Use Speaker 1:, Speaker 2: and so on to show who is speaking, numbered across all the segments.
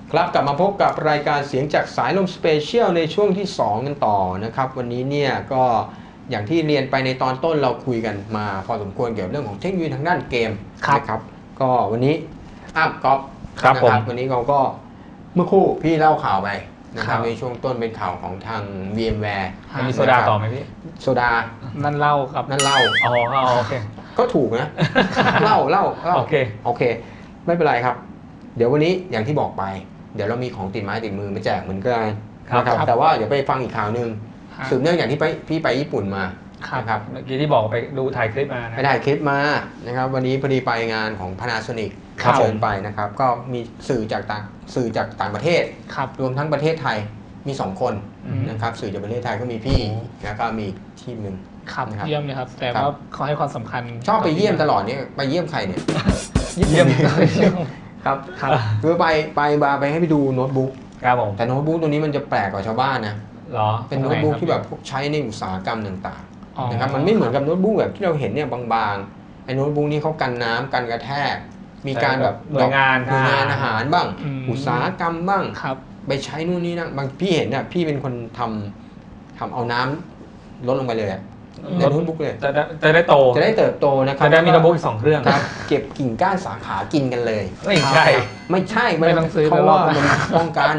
Speaker 1: ครับกลับมาพบกับรายการเสียงจากสายลมสเปเชียลในช่วงที่ 2 กันต่อนะครับวันนี้เนี่ยก็อย่างที่เรียนไปในตอนต้นเราคุยกันมาพอสมควรเกี่ยวกับเรื่องของเทคโนโลยีทางด้านเกมนะครับก็วันนี้ก๊อฟนะครับวันนี้เราก็เมื่อคู่พี่เล่าข่าวไปนะครับในช่วงต้นเป็นข่าวของทาง VMware
Speaker 2: มีโซดาต่อไหมพี่
Speaker 1: โซดา
Speaker 3: นั่นเล่าครับ
Speaker 1: นั่นเล่า
Speaker 2: อ๋อโอเค
Speaker 1: ก็ถูกนะเล่าโอเคไม่เป็นไรครับเดี๋ยววันนี้อย่างที่บอกไปเดี๋ยวเรามีของติดไม้ติดมือมาแจกเหมือนกันนะครับแต่ว่าเดี๋ยวไปฟังอีกข่าวนึงสืบเนื่องอย่างที่พี่ไปญี่ปุ่นมา
Speaker 2: นะครับเมื่อกี้ที่บอกไปดูถ่ายคลิปมา
Speaker 1: ไปถ่ายคลิปมานะครับวันนี้พอดีไปงานของ Panasonic เชิญไปนะครับก็มีสื่อจากต่างประเทศรวมทั้งประเทศไทยมี2คนนะครับสื่อจากประเทศไทยก็มีพี่แล้วก็มีทีมนึง
Speaker 3: ครับเยี่ยมเลยครับแต่ว่าเขาให้ความสำคัญ
Speaker 1: ชอบไปเยี่ยมตลอดเนี่ยไปเยี่ยมใครเนี่ย
Speaker 2: เยี่ยม
Speaker 1: ครับคือไปให้ไปดูโน้ตบุ๊ก
Speaker 2: ครับผม
Speaker 1: แต่โน้ตบุ๊กตัวนี้มันจะแปลกกว่าชาวบ้านนะ
Speaker 2: หรอ
Speaker 1: เป็นโน้ตบุ๊กที่แบบใช้ในอุตสาหกรรมต่างๆนะครับมันไม่เหมือนกับโน้ตบุ๊กแบบที่เราเห็นเนี่ยบางๆไอ้โน้ตบุ๊กนี้เขากันน้ำกันกระแทกมีการแบบ
Speaker 2: หน่วยงาน
Speaker 1: อาหารบ้างอุตสาหกรรมบ้างไปใช้นู่นนี่นะบางพี่เห็นเนี่ยพี่เป็นคนทำเอาน้ำลดลงไปเลยในโน้ตบุ๊กเลย
Speaker 2: จะได้โต
Speaker 1: จะได้เติบโตนะครับ
Speaker 2: จะได้มีโน้ตบุ๊ก2เครื่อง
Speaker 1: ครับเก็บกิ่งก้านสาขากินกันเลย
Speaker 2: ไม่ใช่
Speaker 1: ไม่ต้องซื้อเพราะว่ามันป้องกัน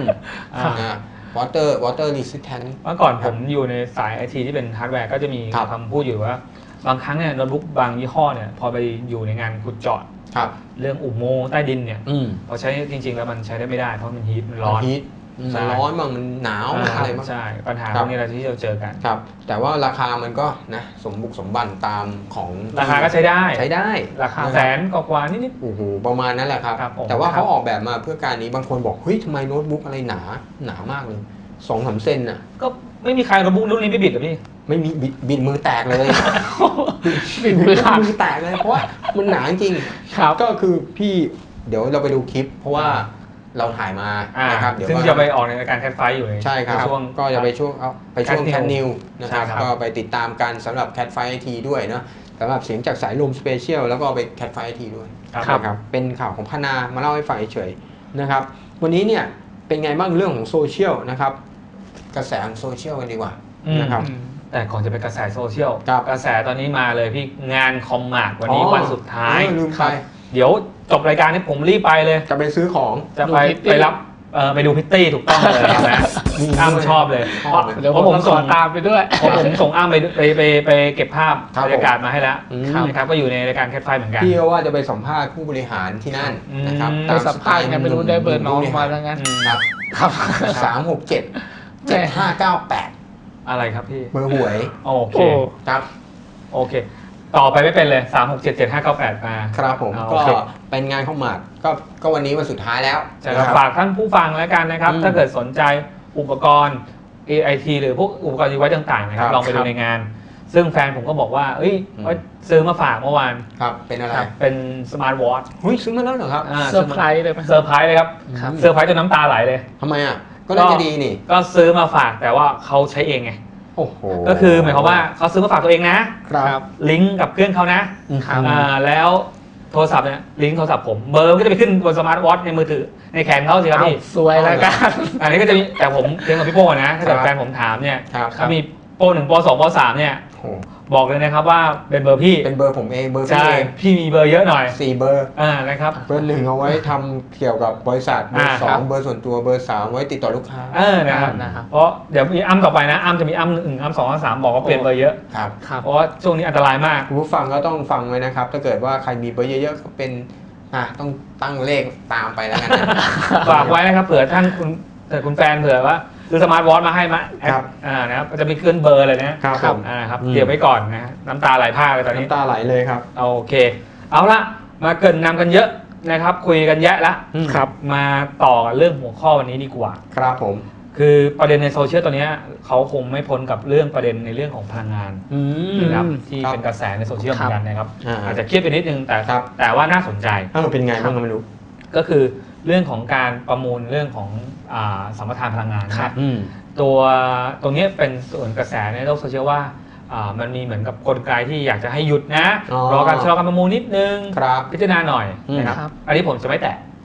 Speaker 1: water resistant
Speaker 2: เมื่อก่อนผมอยู่ในสาย IT ที่เป็นฮาร์ดแวร์ก็จะมีคำพูดอยู่ว่าบางครั้งเนี่ยโน้ตบุ๊กบางยี่ห้อเนี่ยพอไปอยู่ในงานขุดเจาะเรื่องอุโมงค์ใต้ดินเนี่ยพอใช้จริงๆแล้วมันใช้ได้ไม่ได้เพราะมันฮีทมันร้อน
Speaker 1: บ้างมันหนาวอะไรบ้าง
Speaker 2: ใช่ปัญหาพวกนี้เราที่เราเจอกัน
Speaker 1: ครับแต่ว่าราคามันก็นะสมบุกสมบันตามของ
Speaker 2: ราคาก็ใช้ได้ราคาแสนกว่านิด
Speaker 1: โอ้โหประมาณนั้นแหละครับแต่ว่าเขาออกแบบมาเพื่อการนี้บางคนบอกเฮ้ยทำไมโน้ตบุ๊กอะไรหนามากเลย2-3 เซนน่ะ
Speaker 2: ก็ไม่มีใครโน้ตบุ๊กรุ่นนี้ไม่บิดหรอพี่
Speaker 1: ไม่มีบิดมือแตกเลยบิดมือแตกเลยเพราะว่ามันหนาจริงก็คือพี่เดี๋ยวเราไปดูคลิปเพราะว่าเราถ่ายมานะครับ
Speaker 2: เดี๋ยวซึ่งจะไปออกในรายการแคทไฟอยู่
Speaker 1: ใช่ครับก็จะไปช่วงแคทนิวนะครับก็ไปติดตามกันสำหรับแคทไฟไอทีด้วยเนาะสำหรับเสียงจากสายลมสเปเชียลแล้วก็ไปแคทไฟไอทีด้วยนะครับเป็นข่าวของพนามาเล่าให้ฟังเฉยๆนะครับวันนี้เนี่ยเป็นไงบ้างเรื่องของโซเชียลนะครับกระแสของโซเชียลกันดีกว่านะครับ
Speaker 2: แต่ก่อนจะเป็นกระแสโซเชียลกระแสตอนนี้มาเลยพี่งานคอมมาร์ทวันนี้วันสุดท้าย
Speaker 1: ลืมไป
Speaker 2: เดี๋ยวจบรายการนี้ผมรีบไปเลย
Speaker 1: จะไปซื้อของ
Speaker 2: จะไปรับไปดูพิตตี้ถูกต้องเลยนะอ้ำชอบเลย
Speaker 3: เดี๋ยวผมส่งตามไปด้วย
Speaker 2: ผมส่งอ้ำไปเก็บภาพบรรยากาศมาให้แล้วนะครับก็อยู่ในรายการแคทไฟเหมือนกัน
Speaker 1: พี่ว่าจะไปสัมภาษณ์ผู้บริหารที่นั่นนะครับ
Speaker 3: ไปสัมภาษณ์กันไม่รู้ได้เบอร์น้องมาแล้วงั้น
Speaker 1: ครับ367-7598
Speaker 2: อะไรครับพี่
Speaker 1: เบอร์หวย
Speaker 2: โอเค
Speaker 1: ครับ
Speaker 2: โอเคต่อไปไม่เป็นเลย3677598มา
Speaker 1: ครับผมก็เป็นงานเข้ามาก็วันนี้วันสุดท้ายแล้ว
Speaker 2: จะฝากท่านผู้ฟังแล้วกันนะครับถ้าเกิดสนใจอุปกรณ์ AIT หรือพวกอุปกรณ์ดีไว้ต่างๆนะครับลองไปดูในงานซึ่งแฟนผมก็บอกว่าซื้อมาฝากเมื่อวาน
Speaker 1: ครับเป็นอะไร
Speaker 2: เป็นสมาร์ทวอทช์
Speaker 1: ซื้อมาแล้วเหรอครับ
Speaker 3: เซอร์ไพรส์เลย
Speaker 2: เซอร์ไพรส์เลยครับเซอร์ไพรส์จนน้ำตาไหลเลย
Speaker 1: ทำไมอ่ะก็น่าจะดีนี่
Speaker 2: ก็ซื้อมาฝากแต่ว่าเขาใช้เองไงก็คือหมายความว่าเขาซื้อมาฝากตัวเองนะครับลิงก์กับเครื่องเขานะแล้วโทรศัพท์เนี่ยลิงก์โทรศัพท์ผมเบอร์ก็จะไปขึ้นบนสมาร์ทวอทช์ในมือถือในแขนเขาสิครับพี่
Speaker 3: สวยแล้วกัน
Speaker 2: อันนี้ก็จะมีแต่ผมเรียนกับพี่โป้นะถ้าเกิดแฟนผมถามเนี่ยถ้ามีโป้1โป้2โป้3เนี่ยบอกเลยนะครับว่าเป็นเบอร์พี่
Speaker 1: เป็นเบอร์ผมเองเบอร์
Speaker 2: ใช่พี่มีเบอร์เยอะหน่อย
Speaker 1: 4 เบอร์
Speaker 2: นะครับ
Speaker 1: เบอร์ 1เอาไว้ทำเกี่ยวกับบริษัทเบอร์2เบอร์ส่วนตัวเบอร์3ไว้ติดต่อลูกค้า
Speaker 2: นะครับเพราะเดี๋ยวมีอ้ำต่อไปนะอ้ำจะมีอ้ำ1อ้ำ2อ้ำ3บอกว่าเปลี่ยนเบอร์เยอะ
Speaker 1: ครับ
Speaker 2: เพราะว่าช่วงนี้อันตรายมาก
Speaker 1: ผู้ฟังก็ต้องฟังไว้นะครับถ้าเกิดว่าใครมีเบอร์เยอะๆก็เป็นต้องตั้งเลขตามไปแล้วกัน
Speaker 2: ฝากไว้นะครับเผื่อท่านคุณแฟนเผื่อว่าคือสมาร์ทวอทช์มาให้มานะครับจะมีขึ้นเบอร์เลยนะครับเดี๋ยวไว้ก่อนนะน้ำตาไหลพรากเลยตอนนี้
Speaker 1: น้ำตาไหลเลยครับ
Speaker 2: โอเคเอาละมาเกินนำกันเยอะนะครับคุยกันแยะละ
Speaker 1: ครับ
Speaker 2: มาต่อเรื่องหัวข้อวันนี้ดีกว่า
Speaker 1: ครับผม
Speaker 2: คือประเด็นในโซเชียลตอนนี้เขาคงไม่พ้นกับเรื่องประเด็นในเรื่องของพลังงานนะครับที่เป็นกระแสในโซเชียลเหมือนกันนะครับอาจจะเครียดไปนิดนึงแต่ว่าน่าสนใจ
Speaker 1: เป็นไงบ้างไม่รู้
Speaker 2: ก็คือเรื่องของการประมูลเรื่องของสัมปทานพลังงานนะตรงนี้เป็นส่วนกระแสในโลกโซเชียลว่ามันมีเหมือนกับกลไกที่อยากจะให้หยุดนะรอการชะลอการประมูลนิดนึงพิจารณาหน่อยนะครับอันนี้ผมจะไม่แตะ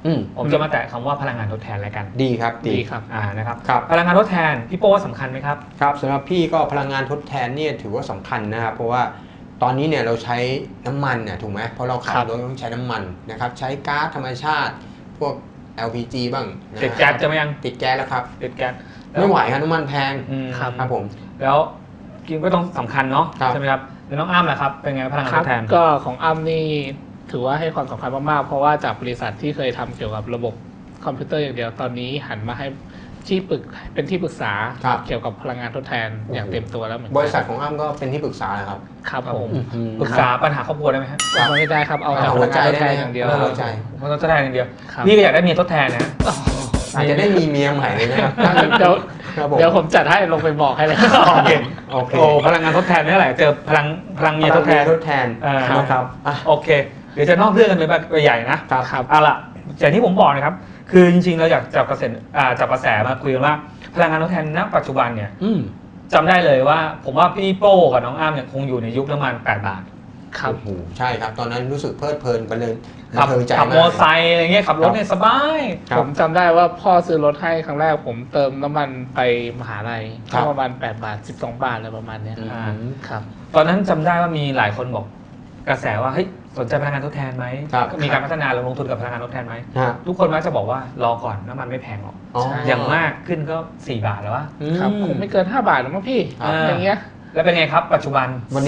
Speaker 2: ผมจะมาแตะคำว่าพลังงานทดแทนแล้วกัน
Speaker 1: ดีครับ
Speaker 3: ดีครับ
Speaker 2: นะครับ
Speaker 1: ครับ
Speaker 2: พลังงานทดแทนพี่โป้ว่าสำคัญไหมครับ
Speaker 1: ครับสำหรับพี่ก็พลังงานทดแทนเนี่ยถือว่าสำคัญนะครับเพราะว่าตอนนี้เนี่ยเราใช้น้ำมันเนี่ยถูกไหมเพราะเราขับ
Speaker 3: ครับ
Speaker 1: รถต้องใช้น้ำมันนะครับใช้ก๊าซธรรมชาติ พวก LPG บ้างนะ
Speaker 2: ติดแก๊สจะไหมยัง
Speaker 1: ติดแก๊สแล้วครับ
Speaker 2: ติดแก๊ส
Speaker 1: ไม่ไหวครับน้ำมันแพง
Speaker 3: ครับ
Speaker 1: ครับผม
Speaker 2: แล้วกินก็ต้องสำคัญเนาะ
Speaker 1: ครับ
Speaker 2: ใช่ไหมครับแล้วน้องอ้ำล่ะครับเป็นไงพลังงาน
Speaker 3: ค
Speaker 2: ท
Speaker 3: รับ
Speaker 2: ดแทน
Speaker 3: ก็ของอ้ำนี่ถือว่าให้ความสำคัญมากๆเพราะว่าจากบริษัทที่เคยทำเกี่ยวกับระบบคอมพิวเตอร์อย่างเดียวตอนนี้หันมาให้เป็นที่ปรึกษา
Speaker 1: ครับ
Speaker 3: เกี่ยวกับพลังงานทดแทนอย่างเต็มตัวแล้วเหมือนกัน
Speaker 1: บริษัทของอ้ำก็เป็นที่ปรึกษาเหรอครับ
Speaker 3: ครับผม
Speaker 2: ปรึกษาปัญหาครอบครัวได้ไหมครับ
Speaker 3: ก็ไม่ได้ครับเอาแต่
Speaker 1: เอา
Speaker 3: พ
Speaker 1: หั
Speaker 3: ลั
Speaker 1: ว
Speaker 3: ง
Speaker 1: ใจ
Speaker 3: งานทดแท
Speaker 1: ได้
Speaker 3: น
Speaker 1: ไหม
Speaker 3: อย่างเดียว
Speaker 1: เอาหัวใจ
Speaker 2: มันทดแทนอย่างเดียว
Speaker 3: ครับ
Speaker 2: พี่ก็อยากได้เมียทดแทนนะ
Speaker 1: อาจจะได้มีเมียใหม่เลยนะครับ
Speaker 3: เดี๋ยว
Speaker 1: ครับผม
Speaker 3: เดี๋ยวผมจัดให้ลงไปบอกให้เลย
Speaker 2: โอเค
Speaker 1: โอเค
Speaker 2: โอ้พลังงานทดแทนนี่แหละเจอพลังเมียทดแทน
Speaker 1: ทดแทน นะครับอ่ะ
Speaker 2: โอเค เดี๋ยวจะนอกเรื่องกันไปใหญ่นะครับ
Speaker 3: ครับ
Speaker 2: เอาล่ะอย่างที่ผมบอกนะครับ คือจริงๆเราอยากจับกระแสมาคุยกันว่าพลังงานทดแทนณปัจจุบันเนี่ย จำได้เลยว่าผมว่าพี่โป้กับน้องอ้ำเนี่ยคงอยู่ในยุคน้ำมัน8 บาท
Speaker 3: ครับ
Speaker 1: โอ้โหใช่ครับ ตอนนั้นรู้สึกเพลิดเพลินไปเลย
Speaker 2: ขับ
Speaker 1: บันเทิงใจ
Speaker 2: ขับ
Speaker 1: มาก
Speaker 2: มอไซค์อะไรเงี้ยขับรถเนี่ยสบาย
Speaker 1: ครับ
Speaker 3: ผมจำได้ว่าพ่อซื้อรถให้ครั้งแรกผมเติมน้ำมันไปมหาลัย
Speaker 1: ครับ
Speaker 3: ก็ประมาณ8 บาท 12 บาทอะไรประมาณเนี้ย
Speaker 2: อ่า
Speaker 3: ครับ
Speaker 2: ตอนนั้นจำได้ว่ามีหลายคนบอกกระแสว่าเฮ้ยสนใจพลังงานทดแทนไหม
Speaker 1: ครับ
Speaker 2: มีการพัฒนาลงทุนกับพลังงานทดแทนไหม
Speaker 1: ฮะ
Speaker 2: ทุกคนมักจะบอกว่ารอก่อนน้ำมันไม่แพงหรอก
Speaker 1: อ๋อ
Speaker 3: ใช่
Speaker 2: อย่างมากขึ้นก็4 บาทแล้ววะ
Speaker 3: ครับคงไม่เกิน 5 บาทหรอกมั้งพี่
Speaker 1: ครับ
Speaker 3: อย่างเงี้ย
Speaker 2: แล้วเป็นไงครับปัจจุบัน
Speaker 1: วันนี้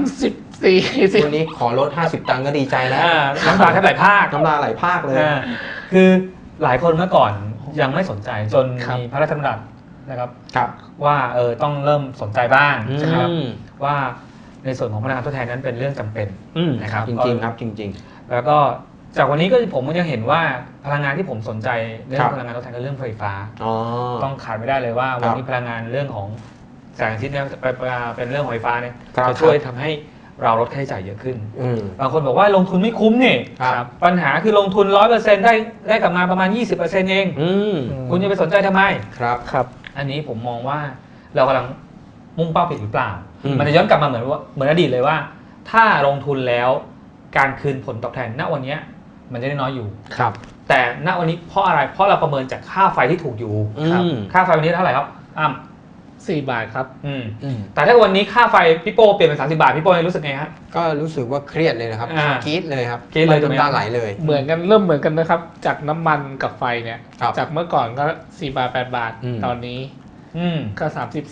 Speaker 3: 30
Speaker 1: วันนี้ขอลด50 ตังค์ก็ดีใจแล้ว
Speaker 2: น้ำตาแทบไหลพราก
Speaker 1: น้ำลายไหลพรากเลย
Speaker 2: คือหลายคนเมื่อก่อนยังไม่สนใจจน
Speaker 3: ครับ
Speaker 2: มีพระราชบัญญัตินะครับ
Speaker 1: ครับ
Speaker 2: ว่าต้องเริ่มสนใจบ้าง
Speaker 1: อืม
Speaker 2: นะครับว่าในส่วนของพลังงานทดแทนนั้นเป็นเรื่องจำเป็น นะครับ
Speaker 1: จริงๆครับจริง
Speaker 2: แล้วก็จากวันนี้ก็ผมก็ยังเห็นว่าพลังงานที่ผมสนใจเรื่อ
Speaker 1: ครั
Speaker 2: ง
Speaker 1: บ
Speaker 2: พลังงานทดแทนคือเรื่องไฟฟ้า
Speaker 1: ๆอ๋อ
Speaker 2: ต้องขาดไม่ได้เลยว่า
Speaker 1: ครับ
Speaker 2: วันนี้พลังงานเรื่องของแสงอาทิตย์เนี่ยเป็นเรื่องของไฟฟ้าเนี่ย
Speaker 1: ครับ
Speaker 2: จะช่วยทำให้เราลดค่าใช้จ่ายเยอะขึ้น
Speaker 1: อืม
Speaker 2: บางคนบอกว่าลงทุนไม่คุ้มนี่
Speaker 1: ครับ
Speaker 2: ปัญหาคือลงทุน 100%ได้กลับมาประมาณ 20%เอง
Speaker 1: อืม
Speaker 2: คุณจะไปสนใจทำไม
Speaker 1: ครับ
Speaker 3: ครับ
Speaker 2: อันนี้ผมมองว่าเรากำลังมุ่งเป้าผิดหรือเปล่า
Speaker 1: อืม
Speaker 2: มันจะย้อนกลับมาเหมือนอดีตเลยว่า ถ้าลงทุนแล้วการคืนผลตอบแทนณวันเนี้ยมันจะได้น้อยอยู่
Speaker 1: ครับ
Speaker 2: แต่ณวันนี้เพราะอะไร เพราะเราประเมินจากค่าไฟที่ถูกอยู่
Speaker 3: ครับ
Speaker 2: ค่าไฟวันนี้เท่าไหร่ครับอ้ำ
Speaker 3: 4 บาทครับ
Speaker 1: อืม
Speaker 2: แต่ถ้าวันนี้ค่าไฟพี่โป้เปลี่ยนเป็น30 บาทพี่โป้รู้สึกไงฮะ
Speaker 1: ก็รู้สึกว่าเครียดเลยนะครับ
Speaker 2: อ่าก
Speaker 1: รี๊ดเลยครับ
Speaker 2: กรี๊ดเลยถูกไหม
Speaker 1: น้ำตาไหลเลย
Speaker 3: เหมือนกันเริ่มเหมือนกันนะครับ จากน้ำมันกับไฟเนี่ย
Speaker 1: ครับ
Speaker 3: จากเมื่อก่อนก็4 บาท 8 บาท
Speaker 1: อืม
Speaker 3: ตอนนี้
Speaker 2: อืม
Speaker 3: ก็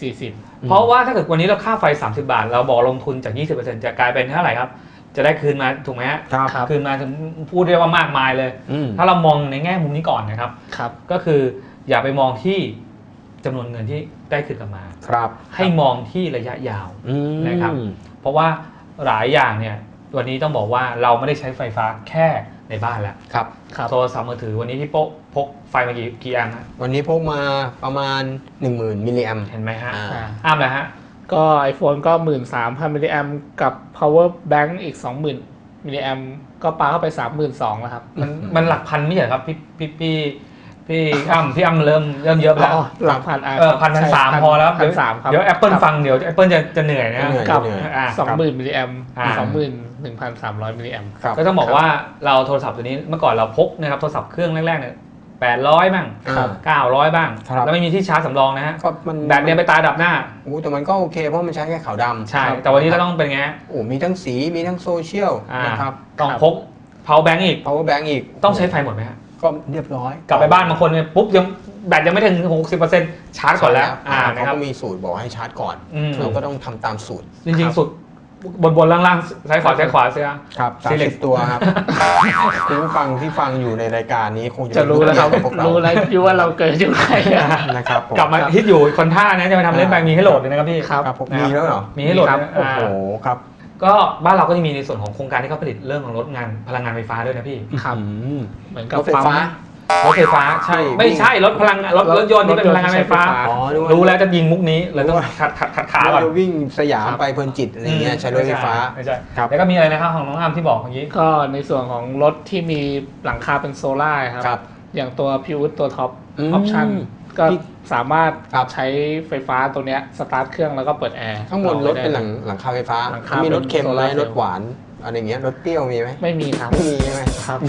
Speaker 3: 30
Speaker 2: เพราะว่าถ้าเกิดวันนี้เราค่าไฟ 30 บาท เราบอกลงทุนจาก 20%จะกลายเป็นเท่าไหร่ครับ จะได้คืนมาถูกไหมฮะ
Speaker 1: ครับ
Speaker 3: ครับ
Speaker 2: คืนมาถึงพูดได้ว่ามากมายเลย
Speaker 1: อืม
Speaker 2: ถ้าเรามองในแง่มุมนี้ก่อนนะครับ
Speaker 3: 40 ครับ
Speaker 2: ก็คืออย่าไปมองที่จำนวนเงินที่ได้คืนกลับมา
Speaker 1: ครับ
Speaker 2: ให้มองที่ระยะยาว
Speaker 1: อืม
Speaker 2: นะครับ เพราะว่าหลายอย่างเนี่ยวันนี้ต้องบอกว่าเราไม่ได้ใช้ไฟฟ้าแค่ในบ้านแล้ว
Speaker 1: ครับ
Speaker 3: ครับ
Speaker 2: โทรศัพท์มือถือวันนี้พี่โป๊ะพกไฟมากี่อันฮะ
Speaker 1: วันนี้พกมาประมาณ 10,000 มิลลิแอมป์
Speaker 2: เห็นไหมฮะ
Speaker 1: อ่า
Speaker 2: อ้ามเลยฮะ
Speaker 3: ก็ iPhone ก็ 13,000 มิลลิแอมกับ power bank อีก 20,000 มิลลิแอมก็ปาเข้าไป 32,000 แล้วครับ
Speaker 2: มันหลักพันไม่ใช่เหรอครับพี่อ้ำเริ่มเยอะไปแล้ว
Speaker 3: อ๋อหลักพัน
Speaker 2: 1,300พอแล้ว
Speaker 3: 1,300 ครับ
Speaker 2: เดี๋ยว Apple ฟังเดี๋ยว Apple จะเหนื่อยนะ
Speaker 1: เหนื่อย
Speaker 3: กับ
Speaker 2: อ่า
Speaker 3: 20,000 มิลลิแอม
Speaker 2: อ่า
Speaker 3: 21,300 มิลลิแอม
Speaker 1: ครับ
Speaker 2: ก็ต้องบอกว่าเราโทรศัพท์ตัวนี้เมื่อก่อนเราพกนะครับโทรศัพท์เครื่องแรกๆเนี่ย800บ้าง
Speaker 1: ครับ
Speaker 2: 900บ้าง
Speaker 1: ครับ
Speaker 2: แล้วไม่มีที่ชาร์จสำรองนะฮะ
Speaker 1: ก็มัน
Speaker 2: แบตเนี่ยไปตายดับหน้า
Speaker 1: โอ้แต่มันก็โอเคเพราะมันใช้แค่ขาวดำ
Speaker 2: ใช่ แต่วันนี้เราต้องเป็นไงฮะ
Speaker 1: โอ้มีทั้งสีมีทั้งโซเชียล
Speaker 2: อ่า
Speaker 1: นะครับ
Speaker 2: ต้องพก power bank อีก
Speaker 1: power bank อีก
Speaker 2: ต้องใช้ไฟหมดไหมฮะ
Speaker 1: ก็เรียบร้อย
Speaker 2: กลับไปบ้านบางคนเนี่ยปุ๊บยังแบตยังไม่ถึง 60%ชาร์จก่อนแล้ว
Speaker 1: เขา
Speaker 2: นะครับ
Speaker 1: ก็มีสูตรบอกให้ชาร์จก่อน
Speaker 2: อืม
Speaker 1: เราก็ต้องทำตามสูตร
Speaker 2: จริงๆ สุดบนล่างๆซ้ายขวาเสีย
Speaker 1: ครับ
Speaker 2: Select
Speaker 1: 30 ตัวครับ คุณผู้ฟังที่ฟังอยู่ในรายการนี้คง
Speaker 3: จะรู้แล้วครับ
Speaker 1: เกี่ยกับพวกเรา
Speaker 3: รู้แล้วอยู่ว่าเราเกิดอยู่ไหนอะ
Speaker 1: นะครับผม
Speaker 2: กลับมาฮิตอยู่คนท่านะจะมาทำเล่นไปมีให้โหลดเลยนะครับพี่
Speaker 3: ครับ
Speaker 1: ครับผมมีแล้วเหรอ
Speaker 2: มีให้โหลด
Speaker 3: ครับ
Speaker 2: นะ
Speaker 1: โอ้โหครับ
Speaker 2: ก็บ้านเราก็จะมีในส่วนของโครงการที่เขาผลิตเรื่องของรถงานพลังงานไฟฟ้าด้วยนะพี่
Speaker 3: ครับ
Speaker 1: อืม
Speaker 3: เหมือนกับ
Speaker 1: รถไฟฟ้า
Speaker 2: รถไฟฟ้าใช่ไม่ใช่รถพลังรถยนต์ที่เป็นพลังงานไฟฟ้า
Speaker 1: อ๋อ
Speaker 2: รู้แล้วจะยิงมุกนี้เลยต้องขัดขาก่อน
Speaker 1: เราวิ่งสยามไปเพลินจิตอะไรเงี้ยใช้รถไฟฟ้า
Speaker 2: ไม่ใช่
Speaker 1: ครับ
Speaker 2: แล้วก็มีอะไรนะครับของน้องอ้ำที่บอกเมื่อกี้
Speaker 3: ก็ในส่วนของรถที่มีหลังคาเป็นโซล่าครับ
Speaker 1: ครับ
Speaker 3: อย่างตัวพิวตัวท็อป
Speaker 1: อื
Speaker 3: อ
Speaker 1: ม
Speaker 3: อปชั่นก็
Speaker 1: พี่
Speaker 3: สามารถ
Speaker 1: ครับ
Speaker 3: ใช้ไฟฟ้าตัวเนี้ยสตาร์ทเครื่องแล้วก็เปิดแอร์
Speaker 1: ข้างบนรถเป็นหลังคาไฟฟ้า
Speaker 3: หลังคา
Speaker 1: มีรถเค็มไหม
Speaker 3: เป็นโซลาร์เซลล์
Speaker 1: รถหวานอะไรเงี้ยรถเปรี้ยวมีไหม
Speaker 3: ไม่มีครับ
Speaker 1: ไม่มีใช่ไหม
Speaker 3: ครับ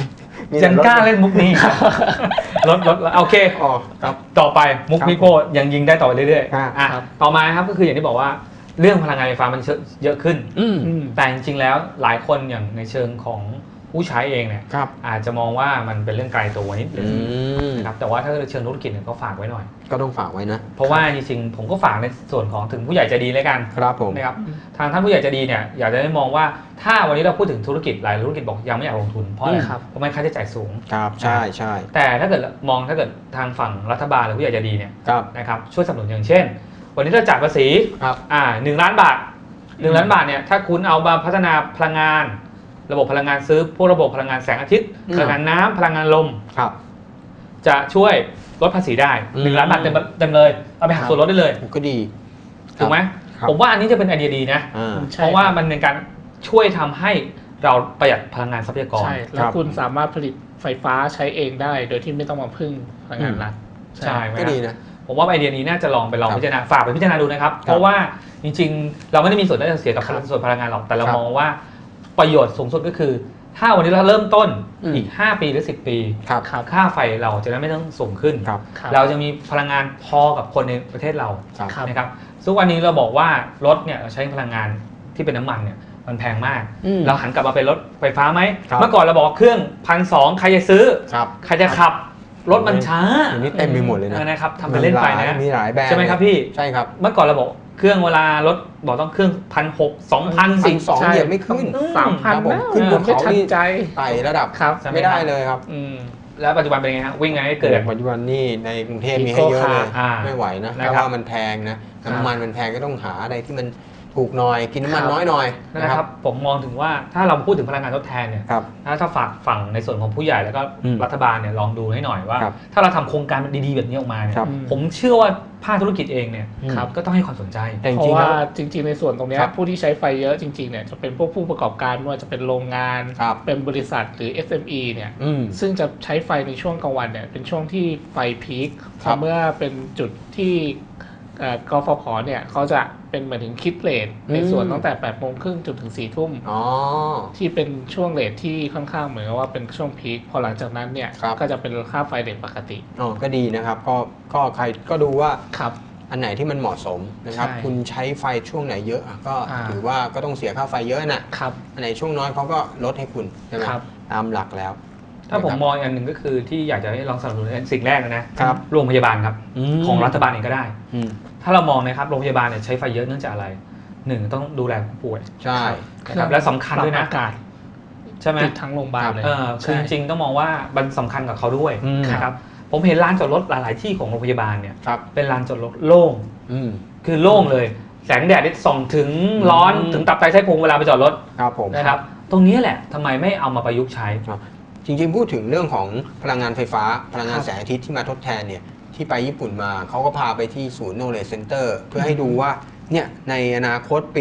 Speaker 2: ยังกล้าเล่นมุกนี้ ลดโอเค
Speaker 1: อ๋อครับ
Speaker 2: ต่อไปมุก
Speaker 1: ครับ
Speaker 2: พี่โก้ยังยิงได้ต่อไปเรื่อย
Speaker 1: ครับ
Speaker 2: ๆต่อมาครับก็คืออย่างที่บอกว่าเรื่องพลังงานไฟฟ้ามันเยอะขึ้น
Speaker 1: อืม
Speaker 2: แต่จริงๆแล้วหลายคนอย่างในเชิงของผู้ใช้เองเนี่ย
Speaker 1: ครับ
Speaker 2: อาจจะมองว่ามันเป็นเรื่องไกลตัวนิดนึ
Speaker 1: อื
Speaker 2: ง
Speaker 1: ม
Speaker 2: นะครับแต่ว่าถ้าเชิงธุรกิจเนี่ยก็ฝากไว้หน่อย
Speaker 1: ก็ต้องฝากไว้นะ
Speaker 2: เพราะว่าจริงๆผมก็ฝากในส่วนของถึงผู้ใหญ่ใจดีเลยกัน
Speaker 1: ครับผม
Speaker 2: นะครับทางท่านผู้ใหญ่ใจดีเนี่ยอยากจะได้มองว่าถ้าวันนี้เราพูดถึงธุรกิจหลายธุรกิจบอกยังไม่อยากลงทุนเพราะอะไร
Speaker 3: ครับ
Speaker 2: เพราะมันค่าใช้จ่ายสูง
Speaker 1: ครับใช่ใช่
Speaker 2: แต่ถ้าเกิดทางฝั่งรัฐบาลหรือผู้ใหญ่ใจดีเนี่ย
Speaker 1: ครับ
Speaker 2: นะครับช่วยสนับสนุนอย่างเช่น วันนี้เราจ่ายภาษี
Speaker 1: ครับ
Speaker 2: 1 ล้านบาท1 ล้านบาทเนี่ยถ้าคุณเอามาพัฒนาพลังงาน ระบบพลังงานซื้อพวกระบบพลังงานแสงอาทิตย์พลังงานน้ำพลังงานลม
Speaker 1: ครับ
Speaker 2: จะช่วยลดภาษีได้
Speaker 1: อืม
Speaker 2: 1 ล้านบาทเต็มเลยเอาไปหักส่วนลดได้เลย
Speaker 1: ก็ดี
Speaker 2: ถูกไหม
Speaker 1: ครับ
Speaker 2: ผมว่าอันนี้จะเป็นไอเดียดีนะ
Speaker 1: อ่า
Speaker 3: ใช่
Speaker 2: เพราะว่ามันเป็นการช่วยทำให้เราประหยัดพลังงานทรัพยากร
Speaker 3: ใช่แล้วคุณสามารถผลิตไฟฟ้าใช้เองได้ โดยที่ไม่ต้องมาพึ่งพลังงานรัฐ
Speaker 2: ใช่ไหม
Speaker 1: ก็ดีนะ
Speaker 2: ผมว่าไอเดียนี้น่าจะลองไปลอง
Speaker 1: ครับ
Speaker 2: พิจารณาฝากไปพิจารณาดูนะครับ เพราะว่าจริงๆ เราไม่ได้มีส่วนได้เสียกับ
Speaker 3: ครับ
Speaker 2: ส่วนพลังงานหรอกแต่เรา
Speaker 1: ครับ
Speaker 2: มองว่าประโยชน์สูงสุดก็คือ ถ้าวันนี้เราเริ่มต้น
Speaker 1: อืม
Speaker 2: อีก 5 ปีหรือ 10 ปี
Speaker 1: ครับ
Speaker 2: ค่าไฟเราจะได้ไม่ต้องสูงขึ้น
Speaker 1: ครับ
Speaker 3: ครับ
Speaker 2: เราจะมีพลังงานพอกับคนในประเทศเรา
Speaker 1: ครับ
Speaker 3: ครับ
Speaker 2: นะครับซึ่งวันนี้เราบอกว่ารถเนี่ยเราใช้พลังงานที่เป็นน้ำมันเนี่ยมันแพงมาก
Speaker 1: อืม
Speaker 2: เราหันกลับมาเป็นรถไฟฟ้าไหม
Speaker 1: ครับ
Speaker 2: เมื่อก่อนเราบอกว่าเครื่อง1,200ใครจะซื้อ
Speaker 1: ครับ
Speaker 2: ใครจะขับรถมันช้า
Speaker 1: อันนี้เต็มไปหมดเลยนะ
Speaker 2: นะครับทำไปเล่นไปนะ
Speaker 1: มีหลายแบรนด์
Speaker 2: ใช่ไหมครับพี่
Speaker 1: ใช่ครับ
Speaker 2: เมื่อก่อนเราบอกเครื่องเวลารถบอกต้องเครื่อง1,600 2,000
Speaker 1: 1,200 เหยียบไม่ขึ้น
Speaker 3: 3,000
Speaker 1: ครับผม
Speaker 3: แล้ว
Speaker 1: ขึ้นบน
Speaker 3: ไม่
Speaker 1: เขา
Speaker 3: ทัน
Speaker 1: นี่
Speaker 3: ใจ
Speaker 1: ไต่ระดับ
Speaker 3: ครับ
Speaker 1: ไม่ได้เลยครับ
Speaker 3: อืม
Speaker 2: แล้วปัจจุบันเป็นไงฮะวิ่งไงให้เกิด
Speaker 1: ปัจจุบันนี่ในกรุงเทพมี
Speaker 3: Eco
Speaker 1: ให้เยอะเลย
Speaker 2: อ่า
Speaker 1: ไม่ไหวนะ
Speaker 2: นะครับ
Speaker 1: เพราะว่ามันแพงนะน้ำมันมันแพงก็ต้องหาอะไรที่มันถูกหน่อยกินน้ำมันน้อยหน่อย
Speaker 2: นะครับผมมองถึงว่าถ้าเราพูดถึงพลังงานทดแทนเนี่ย
Speaker 1: ครับ
Speaker 2: ถ้าฝากฝั่งในส่วนของผู้ใหญ่แล้วก็
Speaker 1: อืม
Speaker 2: รัฐบาลเนี่ยลองดูให้หน่อยว่า
Speaker 1: ครับ
Speaker 2: ถ้าเราทำโครงการดีๆแบบนี้ออกมาเนี่ย
Speaker 1: ครับ
Speaker 2: ผมเชื่อว่าภาคธุรกิจเองเนี่ย
Speaker 3: ครับ
Speaker 2: ก็ต้องให้ความสนใจ
Speaker 1: แต่จ
Speaker 3: เพ
Speaker 1: ริ
Speaker 3: ราะ
Speaker 1: งๆ
Speaker 3: ว่า
Speaker 1: แล้ว
Speaker 3: จริง ๆ ในส่วนตรงเนี้ย
Speaker 1: ครับ
Speaker 3: ผู้ที่ใช้ไฟเยอะจริงๆเนี่ยจะเป็นพวกผู้ประกอบการไม่ว่าจะเป็นโรงงาน
Speaker 1: ครับ
Speaker 3: เป็นบริษัทหรือ SME เนี่ย
Speaker 1: อืม
Speaker 3: ซึ่งจะใช้ไฟในช่วงกลางวันเนี่ยเป็นช่วงที่ไฟพีค
Speaker 1: ครับ
Speaker 3: เมื่อเป็นจุดที่กฟผเนี่ยเขาจะเป็นเหมือนถึงคิดเรทในส่วนตั้งแต่8 โมงครึ่งจนถึง4 ทุ่ม
Speaker 1: อ๋อ
Speaker 3: ที่เป็นช่วงเรทที่ค่อนข้างเหมือนกับว่าเป็นช่วงพีคพอหลังจากนั้นเนี่ย
Speaker 1: ครับ
Speaker 3: ก็จะเป็นค่าไฟเรทปกติ
Speaker 1: อ๋อก็ดีนะครับก็ใครก็ดูว่า
Speaker 3: ครับ
Speaker 1: อันไหนที่มันเหมาะสมนะครับ
Speaker 3: ใช่
Speaker 1: คุณใช้ไฟช่วงไหนเยอะอ่ะก็
Speaker 3: อ่า
Speaker 1: ถือว่าก็ต้องเสียค่าไฟเยอะน่ะ
Speaker 3: ครับ
Speaker 1: อันไหนช่วงน้อยเขาก็ลดให้คุณใช่ไหม
Speaker 3: ครับ
Speaker 1: ตามหลักแล้ว
Speaker 2: ถ้าผม
Speaker 1: นะครับ
Speaker 2: มองอย่างหนึ่งก็คือที่อยากจะให้ลองสนับสนุนสิ่งแรกนะครับ โรงพยาบาลครับ
Speaker 1: ม
Speaker 2: ของรัฐบาลเองก็ได้
Speaker 1: อืม
Speaker 2: ถ้าเรามองนะครับโรงพยาบาลเนี่ยใช้ไฟเยอะเนื่องจากอะไรหนึ่งต้องดูแลผู้ป่วย
Speaker 1: ใช่
Speaker 2: นะครับและสำคัญด้วยนะ
Speaker 3: อากาศ
Speaker 2: ใช่ไหม
Speaker 3: ติดทั้งโรงพยาบาลเลย
Speaker 2: คือจริงๆต้องมองว่ามันสำคัญกับเขาด้วย
Speaker 1: อืม
Speaker 2: นะครับผมเห็นลานจอดรถหลาย ๆ ที่ของโรงพยาบาลเนี่ย
Speaker 1: ครับ
Speaker 2: เป็นลานจอดรถโล่ง
Speaker 1: อืม
Speaker 2: คือโล่งเลย แสงแดดที่ส่องถึงร้อน
Speaker 1: อืม
Speaker 2: ถึงตับไตไส้พุงเวลาไปจอดรถ
Speaker 1: ครับผม
Speaker 2: นะครับตรงนี้แหละทำไมไม่เอามาประยุกต์ใช้
Speaker 1: จริงๆพูดถึงเรื่องของพลังงานไฟฟ้า พลังงาน
Speaker 3: ครับ
Speaker 1: แสงอาทิตย์ที่มาทดแทนเนี่ยที่ไปญี่ปุ่นมาเขาก็พาไปที่ศูนย์ Knowledge Center เพื่อให้ดูว่าเนี่ยในอนาคตปี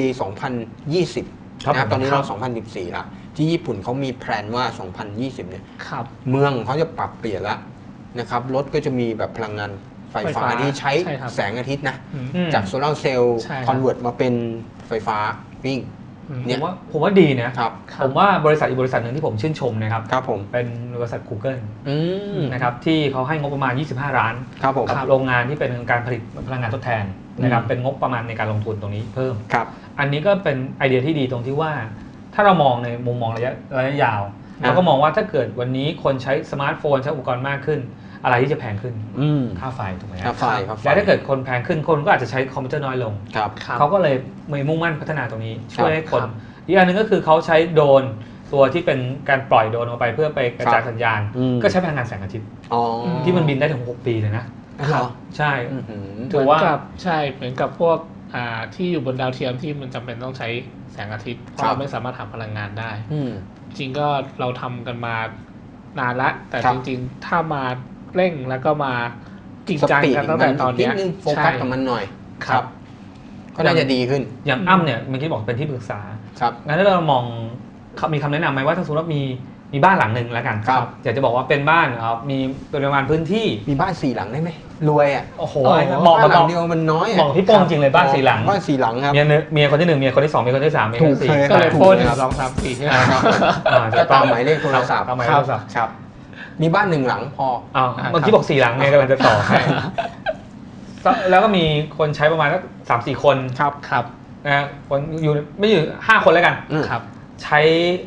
Speaker 1: 2020
Speaker 2: ครับ
Speaker 1: นะครับตอนนี้
Speaker 3: ครั
Speaker 1: เรา
Speaker 3: บ
Speaker 1: 2014ละที่ญี่ปุ่นเขามีแพลนว่า 2020 เนี่ย
Speaker 3: ครับ
Speaker 1: เมืองเขาจะปรับเปลี่ยนแล้วนะครับรถก็จะมีแบบพลังงานไฟ
Speaker 3: ไฟ
Speaker 1: ฟ้า
Speaker 3: ฟ้า
Speaker 1: ที่ใช้
Speaker 3: ใช่ครับ
Speaker 1: แสงอาทิตย์นะ
Speaker 3: อืม
Speaker 2: อืม
Speaker 1: จากโซลาร์เซลล์
Speaker 3: ใช่ครับ
Speaker 1: คอนเวิร์ตมาเป็นไฟฟ้าวิ่ง
Speaker 3: อืม
Speaker 1: เนี่
Speaker 2: ผ
Speaker 1: ย
Speaker 2: มว่าดีนะ
Speaker 1: ครับ
Speaker 3: ครับ
Speaker 2: ผมว่าบริษัทอีกบริษัทหนึ่งที่ผมชื่นชมนะครับ
Speaker 1: ครับผม
Speaker 2: เป็นบริษัท Google
Speaker 1: อืม
Speaker 2: นะครับที่เขาให้งบประมาณ 25 ล้าน
Speaker 1: ครับผม
Speaker 2: กับโรงงานที่เป็นการผลิตพลังงานทดแทนนะครับ
Speaker 1: อืม
Speaker 2: เป็นงบประมาณในการลงทุนตรงนี้เพิ่ม
Speaker 1: ครับ
Speaker 2: อันนี้ก็เป็นไอเดียที่ดีตรงที่ว่า ถ้าเรามองในมุมมองระยะยาว
Speaker 1: อ่ะ
Speaker 2: เราก็มองว่าถ้าเกิดวันนี้คนใช้สมาร์ทโฟนใช้อุปกรณ์มากขึ้น อะไรที่จะแพงขึ้น
Speaker 1: อืม
Speaker 2: ค่าไฟถูกไหม
Speaker 1: ค่าไฟครับ
Speaker 2: และถ้าเกิดคนแพงขึ้นคนก็อาจจะใช้คอมพิวเตอร์น้อยลง
Speaker 1: ครับ
Speaker 3: ครับ
Speaker 2: เขาก็เลยมีมุ่งมั่นพัฒนาตรงนี้ ช่วยให้คน
Speaker 3: ครับ
Speaker 2: อีกอันหนึงก็คือเขาใช้โดรนตัวที่เป็นการปล่อยโดรนออกไปเพื่อไปกระจายสัญญาณ
Speaker 1: อืม
Speaker 2: ก็ใช้พลังงานแสงอาทิตย์
Speaker 1: อ๋อ
Speaker 2: ที่มันบินได้ถึง6 ปีเลยนะ
Speaker 1: เหรอ
Speaker 2: ใช่
Speaker 1: อื้อหือ
Speaker 2: ถือว่า
Speaker 3: เหมืนกับใช่เหมือนกับพวกที่อยู่บนดาวเทียมที่มันจำเป็นต้องใช้แสงอาทิตย์เพราะ
Speaker 1: ครับ
Speaker 3: เราไม่สามารถหาพลังงานได้
Speaker 1: อืม
Speaker 3: จริงก็เราทำกันมานานละแต่
Speaker 1: ครับ
Speaker 3: จริงๆ ถ้ามาเร่งแล้วก็มาจริง
Speaker 1: ส
Speaker 3: จัง
Speaker 1: ปีด
Speaker 3: กันตั้งแต่ตอนเนี้ย
Speaker 1: ดนึงโฟกัสกับมันหน่อย
Speaker 3: ครับ
Speaker 1: ก็น่าจะดีขึ้น
Speaker 2: อย่างอ้ำเนี่ยเมื่อกี้บอกเป็นที่ปรึกษา
Speaker 1: ครับ
Speaker 2: งั้นถ้าเรามองมีคำแนะนำไหมว่าถ้าสมมติว่ามีบ้านหลังหนึ่งแล้วกัน
Speaker 1: ครับ
Speaker 2: อยากจะบอกว่าเป็นบ้านมีปริมาณพื้นที่
Speaker 1: มีบ้าน4 หลังได้ไหมรวยอ่ะ
Speaker 2: โอ้โห
Speaker 3: โอ้
Speaker 2: เหมาะ
Speaker 1: บ้านหลั
Speaker 2: กับ
Speaker 1: งเดียวมันน้อย
Speaker 2: เหมาะกับพี่โป้งจริงเลยบ้าน4 หลัง
Speaker 1: บ้าน4 หลังครับ
Speaker 2: เมียคนที่ 1เมียคนที่ 2เมียคนที่ 3เมียคนที่
Speaker 1: ถูก
Speaker 2: 4
Speaker 1: เลย
Speaker 3: ก็เลย
Speaker 1: ถู
Speaker 3: โฟน
Speaker 1: เลยครับ
Speaker 3: 2 3 4ใช่ไหม
Speaker 2: อ่า
Speaker 1: ก็ตามหมายเลขโทรศัพท์
Speaker 2: ตามหมายเลขโทรศัพท์
Speaker 1: ครับมีบ้าน1 หลังพอ
Speaker 2: เมื่อกี้บอก4 หลังไงกำลังจะต่อให้แล้วก็มีคนใช้ประมาณสัก3-4 คน
Speaker 3: ครับ
Speaker 2: นะคนอยู่ไม่อยู่5 คนแล้วกัน
Speaker 3: ครับ
Speaker 2: ใช้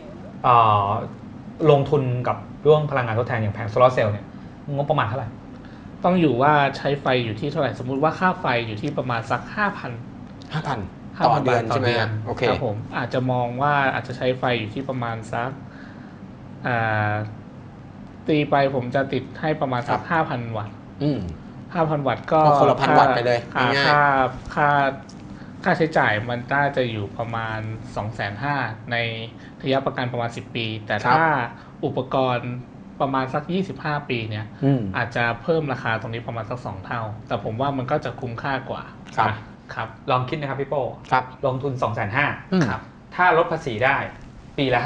Speaker 2: ลงทุนกับเรื่องพลังงานทดแทนอย่างแผงโซลาร์เซลล์เนี่ยงบประมาณเท่าไหร่
Speaker 3: ต้องอยู่ว่าใช้ไฟอยู่ที่เท่าไหร่สมมุติว่าค่าไฟอยู่ที่ประมาณสัก 5,000
Speaker 1: ต่อเดือนใช่ไหมโอเค
Speaker 3: ครับผมอาจจะมองว่าอาจจะใช้ไฟอยู่ที่ประมาณสักตีไปผมจะติดให้ประมาณสัก 5,000 วัตต์5,000 วัตต์ก็
Speaker 1: คนละ1,000 วัตต์ไปเลย
Speaker 3: ค่าใช้จ่ายมันน่าจะอยู่ประมาณ 250,000 ในระยะประกันประมาณ10 ปีแต่ถ้าอุปกรณ์ประมาณสัก25 ปีเนี่ยอาจจะเพิ่มราคาตรงนี้ประมาณสัก2 เท่าแต่ผมว่ามันก็จะคุ้มค่ากว่า
Speaker 2: ครับลองคิดนะครับพี่โป้ลงทุน
Speaker 3: 250,000
Speaker 2: ครับถ้าลดภาษีได้ปีละ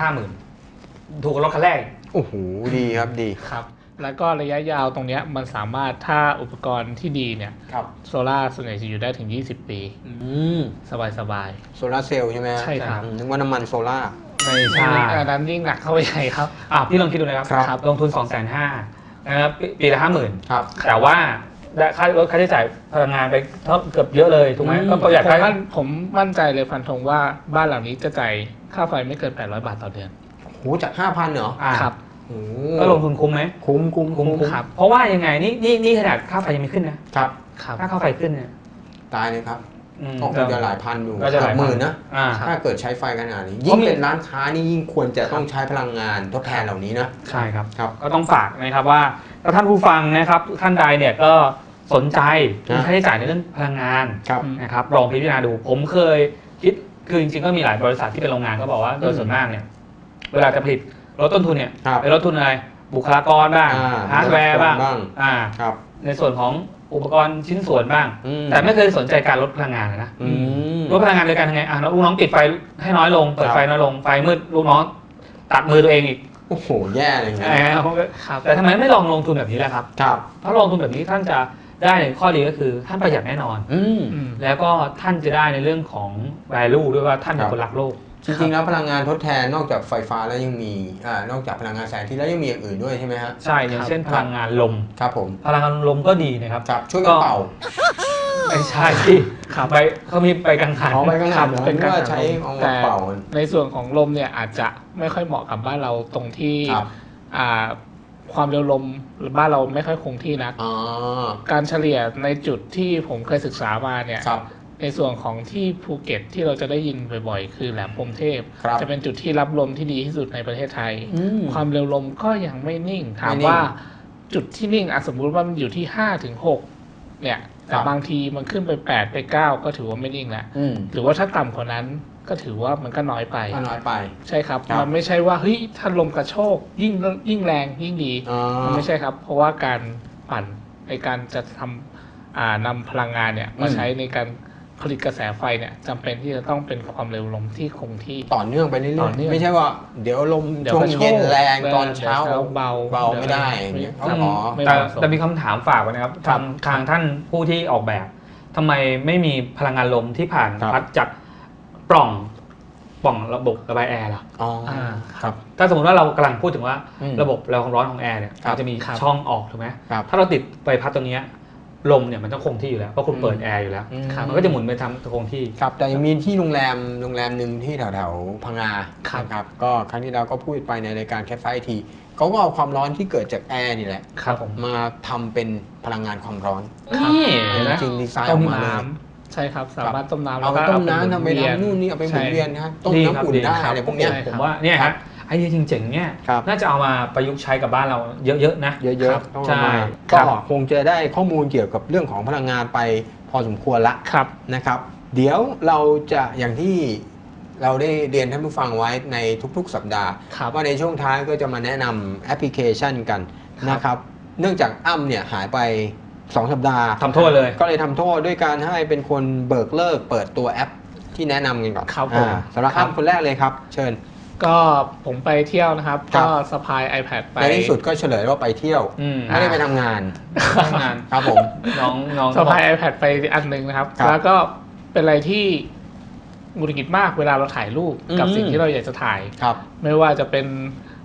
Speaker 2: 50,000 ถูกรถคันแรก
Speaker 1: โอ้โหดีครับดี
Speaker 3: ครับแล้วก็ระยะยาวตรงนี้มันสามารถถ้าอุปกรณ์ที่ดีเนี่ยโซล่าส่วนใหญ่จะอยู่ได้ถึง20 ปีสบาย
Speaker 1: โซล่าเซลล์ใช่ไหม
Speaker 3: ใช่ครับ
Speaker 1: นึกว่าน้ำมันโซล่า
Speaker 3: ไม่ใช่อันนั้นยิ่งหนักเข้าไปใหญ่ครับ
Speaker 2: พี่ลองคิดดูนะครับลงทุน 250,000 นะครับปีละ 50,000 ครับแต่ว่าลดค่าใช้จ่ายพลังงานไปเกือบเยอะเลยถูกไหมก็ประหยัด
Speaker 3: ผมมั่นใจเลยฟันธงว่าบ้านหลังนี้จะจ่ายค่าไฟไม่เกิน800 บาทต่อเดือน
Speaker 1: โหจาก 5,000 เหรอ
Speaker 3: ครับ
Speaker 2: ก็ลงทุนคุ้มไหม
Speaker 1: คุ้ม
Speaker 2: ครับเพราะว่ายังไงนี่ขนาดค่าไฟยังไม่ขึ้นนะครับค่าไฟขึ้นเนี่ย
Speaker 1: ตายเลยครับก็คงจะหลายพันอยู่หมื่นนะถ้าเกิดใช้ไฟขนาดนี้ยิ่งเป็นร้านค้านี่ยิ่งควรจะต้องใช้พลังงานทดแทนเหล่านี้นะ
Speaker 2: ใช่ครับก็ต้องฝากนะครับว่าถ้าท่านผู้ฟังนะครับท่านใดเนี่ยก็สนใจค่าใช้จ่ายในเรื่องพลังงานนะครับลองพิจารณาดูผมเคยคิดคือจริงๆก็มีหลายบริษัทที่เป็นโรงงานก็บอกว่าโดยส่วนมากเนี่ยเวลาจะผลิตลดต้นทุนเนี่ยไปลดทุนอะไรบุคลากรบ้างฮาร์ดแวร์บ้างในส่วนของอุปกรณ์ชิ้นส่วนบ้างแต่ไม่เคยสนใจการลดพลังงานนะลดพลังงานโดยการทำไงลูกน้องปิดไฟให้น้อยลงเปิดไฟน้อยลงไฟมืดลูกน้องตัดมือตัวเองอีก
Speaker 1: โอ้โหแย่เลยไง
Speaker 2: แต่ทำไมไม่ลองลงทุนแบบนี้ล่ะครับถ้าลงทุนแบบนี้ท่านจะได้ในข้อดีก็คือท่านประหยัดแน่นอนแล้วก็ท่านจะได้ในเรื่องของ value ด้วยว่าท่านเป็นคนรักโลก
Speaker 1: จริงๆแล้วพลังงานทดแทนนอกจากไฟฟ้าแล้วยังมีนอกจากพลังงานแสงอาทิตย์แล้วยังมีอย่างอื่นด้วยใช่ไหมฮะ
Speaker 2: ใช่อย่างเช่นพลังงานลม
Speaker 1: ครับผม
Speaker 2: พลังงานลมก็ดีนะครับ
Speaker 1: ช่วยกันเป่า
Speaker 2: ไม่ใช่ที่ไปเขามีไปกังหัน
Speaker 1: ไปกังหันเป็นการใช้
Speaker 3: แต่ในส่วนของลมเนี่ยอาจจะไม่ค่อยเหมาะกับบ้านเราตรงที่ความเร็วลมหรือบ้านเราไม่ค่อยคงที่นักการเฉลี่ยในจุดที่ผมเคยศึกษามาเนี่ยในส่วนของที่ภูเก็ตที่เราจะได้ยินบ่อยๆคือแหลมพรหมเทพจะเป็นจุดที่รับลมที่ดีที่สุดในประเทศไทยความเร็วลมก็ยังไม่นิ่งถามว่าจุดที่นิ่งสมมุติว่ามันอยู่ที่5 ถึง 6เนี่ยแต่บางทีมันขึ้นไป8 ไป 9ก็ถือว่าไม่นิ่งแล้วหรือว่าถ้าต่ำกว่านั้นก็ถือว่ามันก็น้อยไปใช่ครับมันไม่ใช่ว่าเฮ้ยถ้าลมกระโชกยิ่งแรงยิ่งดีมันไม่ใช่ครับเพราะว่าการปั่นในการจะทำนำพลังงานเนี่ยมาใช้ในการผลิตกระแสไฟเนี่ยจำเป็นที่จะต้องเป็นความเร็วลมที่คงที่
Speaker 1: ต่อเนื่องไปเรื่อยๆไม่ใช่ว่าเดี๋ยวลมช่วงเย็นแรงตอนเช้าเบาไม่ได้
Speaker 2: แต่มีคำถามฝากไว้นะครับทางท่านผู้ที่ออกแบบทำไมไม่มีพลังงานลมที่ผ่านพัดจากปล่องระบบระบายแอร์ล่ะ
Speaker 1: ครับ
Speaker 2: ถ้าสมมติว่าเรากำลังพูดถึงว่าระบบระบายความร้อนของแอร์เนี่ยมันจะมีช่องออกถูกไหมถ้าเราติดใบพัดตรงนี้ลมเนี่ยมันต้องคงที่อยู่แล้วเพราะคุณเปิดแอร์อยู่แล้วมันก็จะหมุนไปทำคงที่
Speaker 1: ครับแต่ยังมีที่โรงแรมหนึ่งที่แถวพังงาครับก็ครั้งที่เราก็พูดไปในรายการแคทไฟทีเขาก็เอาความร้อนที่เกิดจากแอร์นี่แหละมาทำเป็นพลังงานความร้อน
Speaker 2: นี่
Speaker 1: จริงดีไซน์ออกมาเลย
Speaker 3: ใช่ครับสามารถต้มน้ำ
Speaker 1: เอาไปต้มน้ำทำไปทำนู่นนี่เอาไปหมุนเวียนนะต้มน้ำอุ่นได้อะไรพวกนี้
Speaker 2: ผมว่าเนี่ยฮะไอเดียจริงๆเนี่ยน่าจะเอามาประยุกต์ใช้กับบ้านเราเยอะๆนะ
Speaker 1: เยอะๆใช่ก็คงจะได้ข้อมูลเกี่ยวกับเรื่องของพลังงานไปพอสมควรละนะครับเดี๋ยวเราจะอย่างที่เราได้เรียนท่านผู้ฟังไว้ในทุกๆสัปดาห์ว่าในช่วงท้ายก็จะมาแนะนำแอปพลิเคชันกันนะครับเนื่องจากอ้ำเนี่ยหายไป2 สัปดาห์
Speaker 2: ทำโทษเลย
Speaker 1: ก็เลยทำโทษด้วยการให้เป็นคนเบิกเลิกเปิดตัวแอปที่แนะนำกันก่อนสำหรับอ้ำคนแรกเลยครับเชิญ
Speaker 3: ก็ผมไปเที่ยวนะครับก็สะพาย iPad ไป
Speaker 1: ในที่สุดก็เฉลยว่าไปเที่ยวไม่ได้ไปทำงานครับผม
Speaker 3: น้องสะพาย iPad ไปอันนึงนะครับแล้วก็เป็นอะไรที่หงุดหงิดมากเวลาเราถ่ายรูปกับสิ่งที่เราอยากจะถ่ายไม่ว่าจะเป็น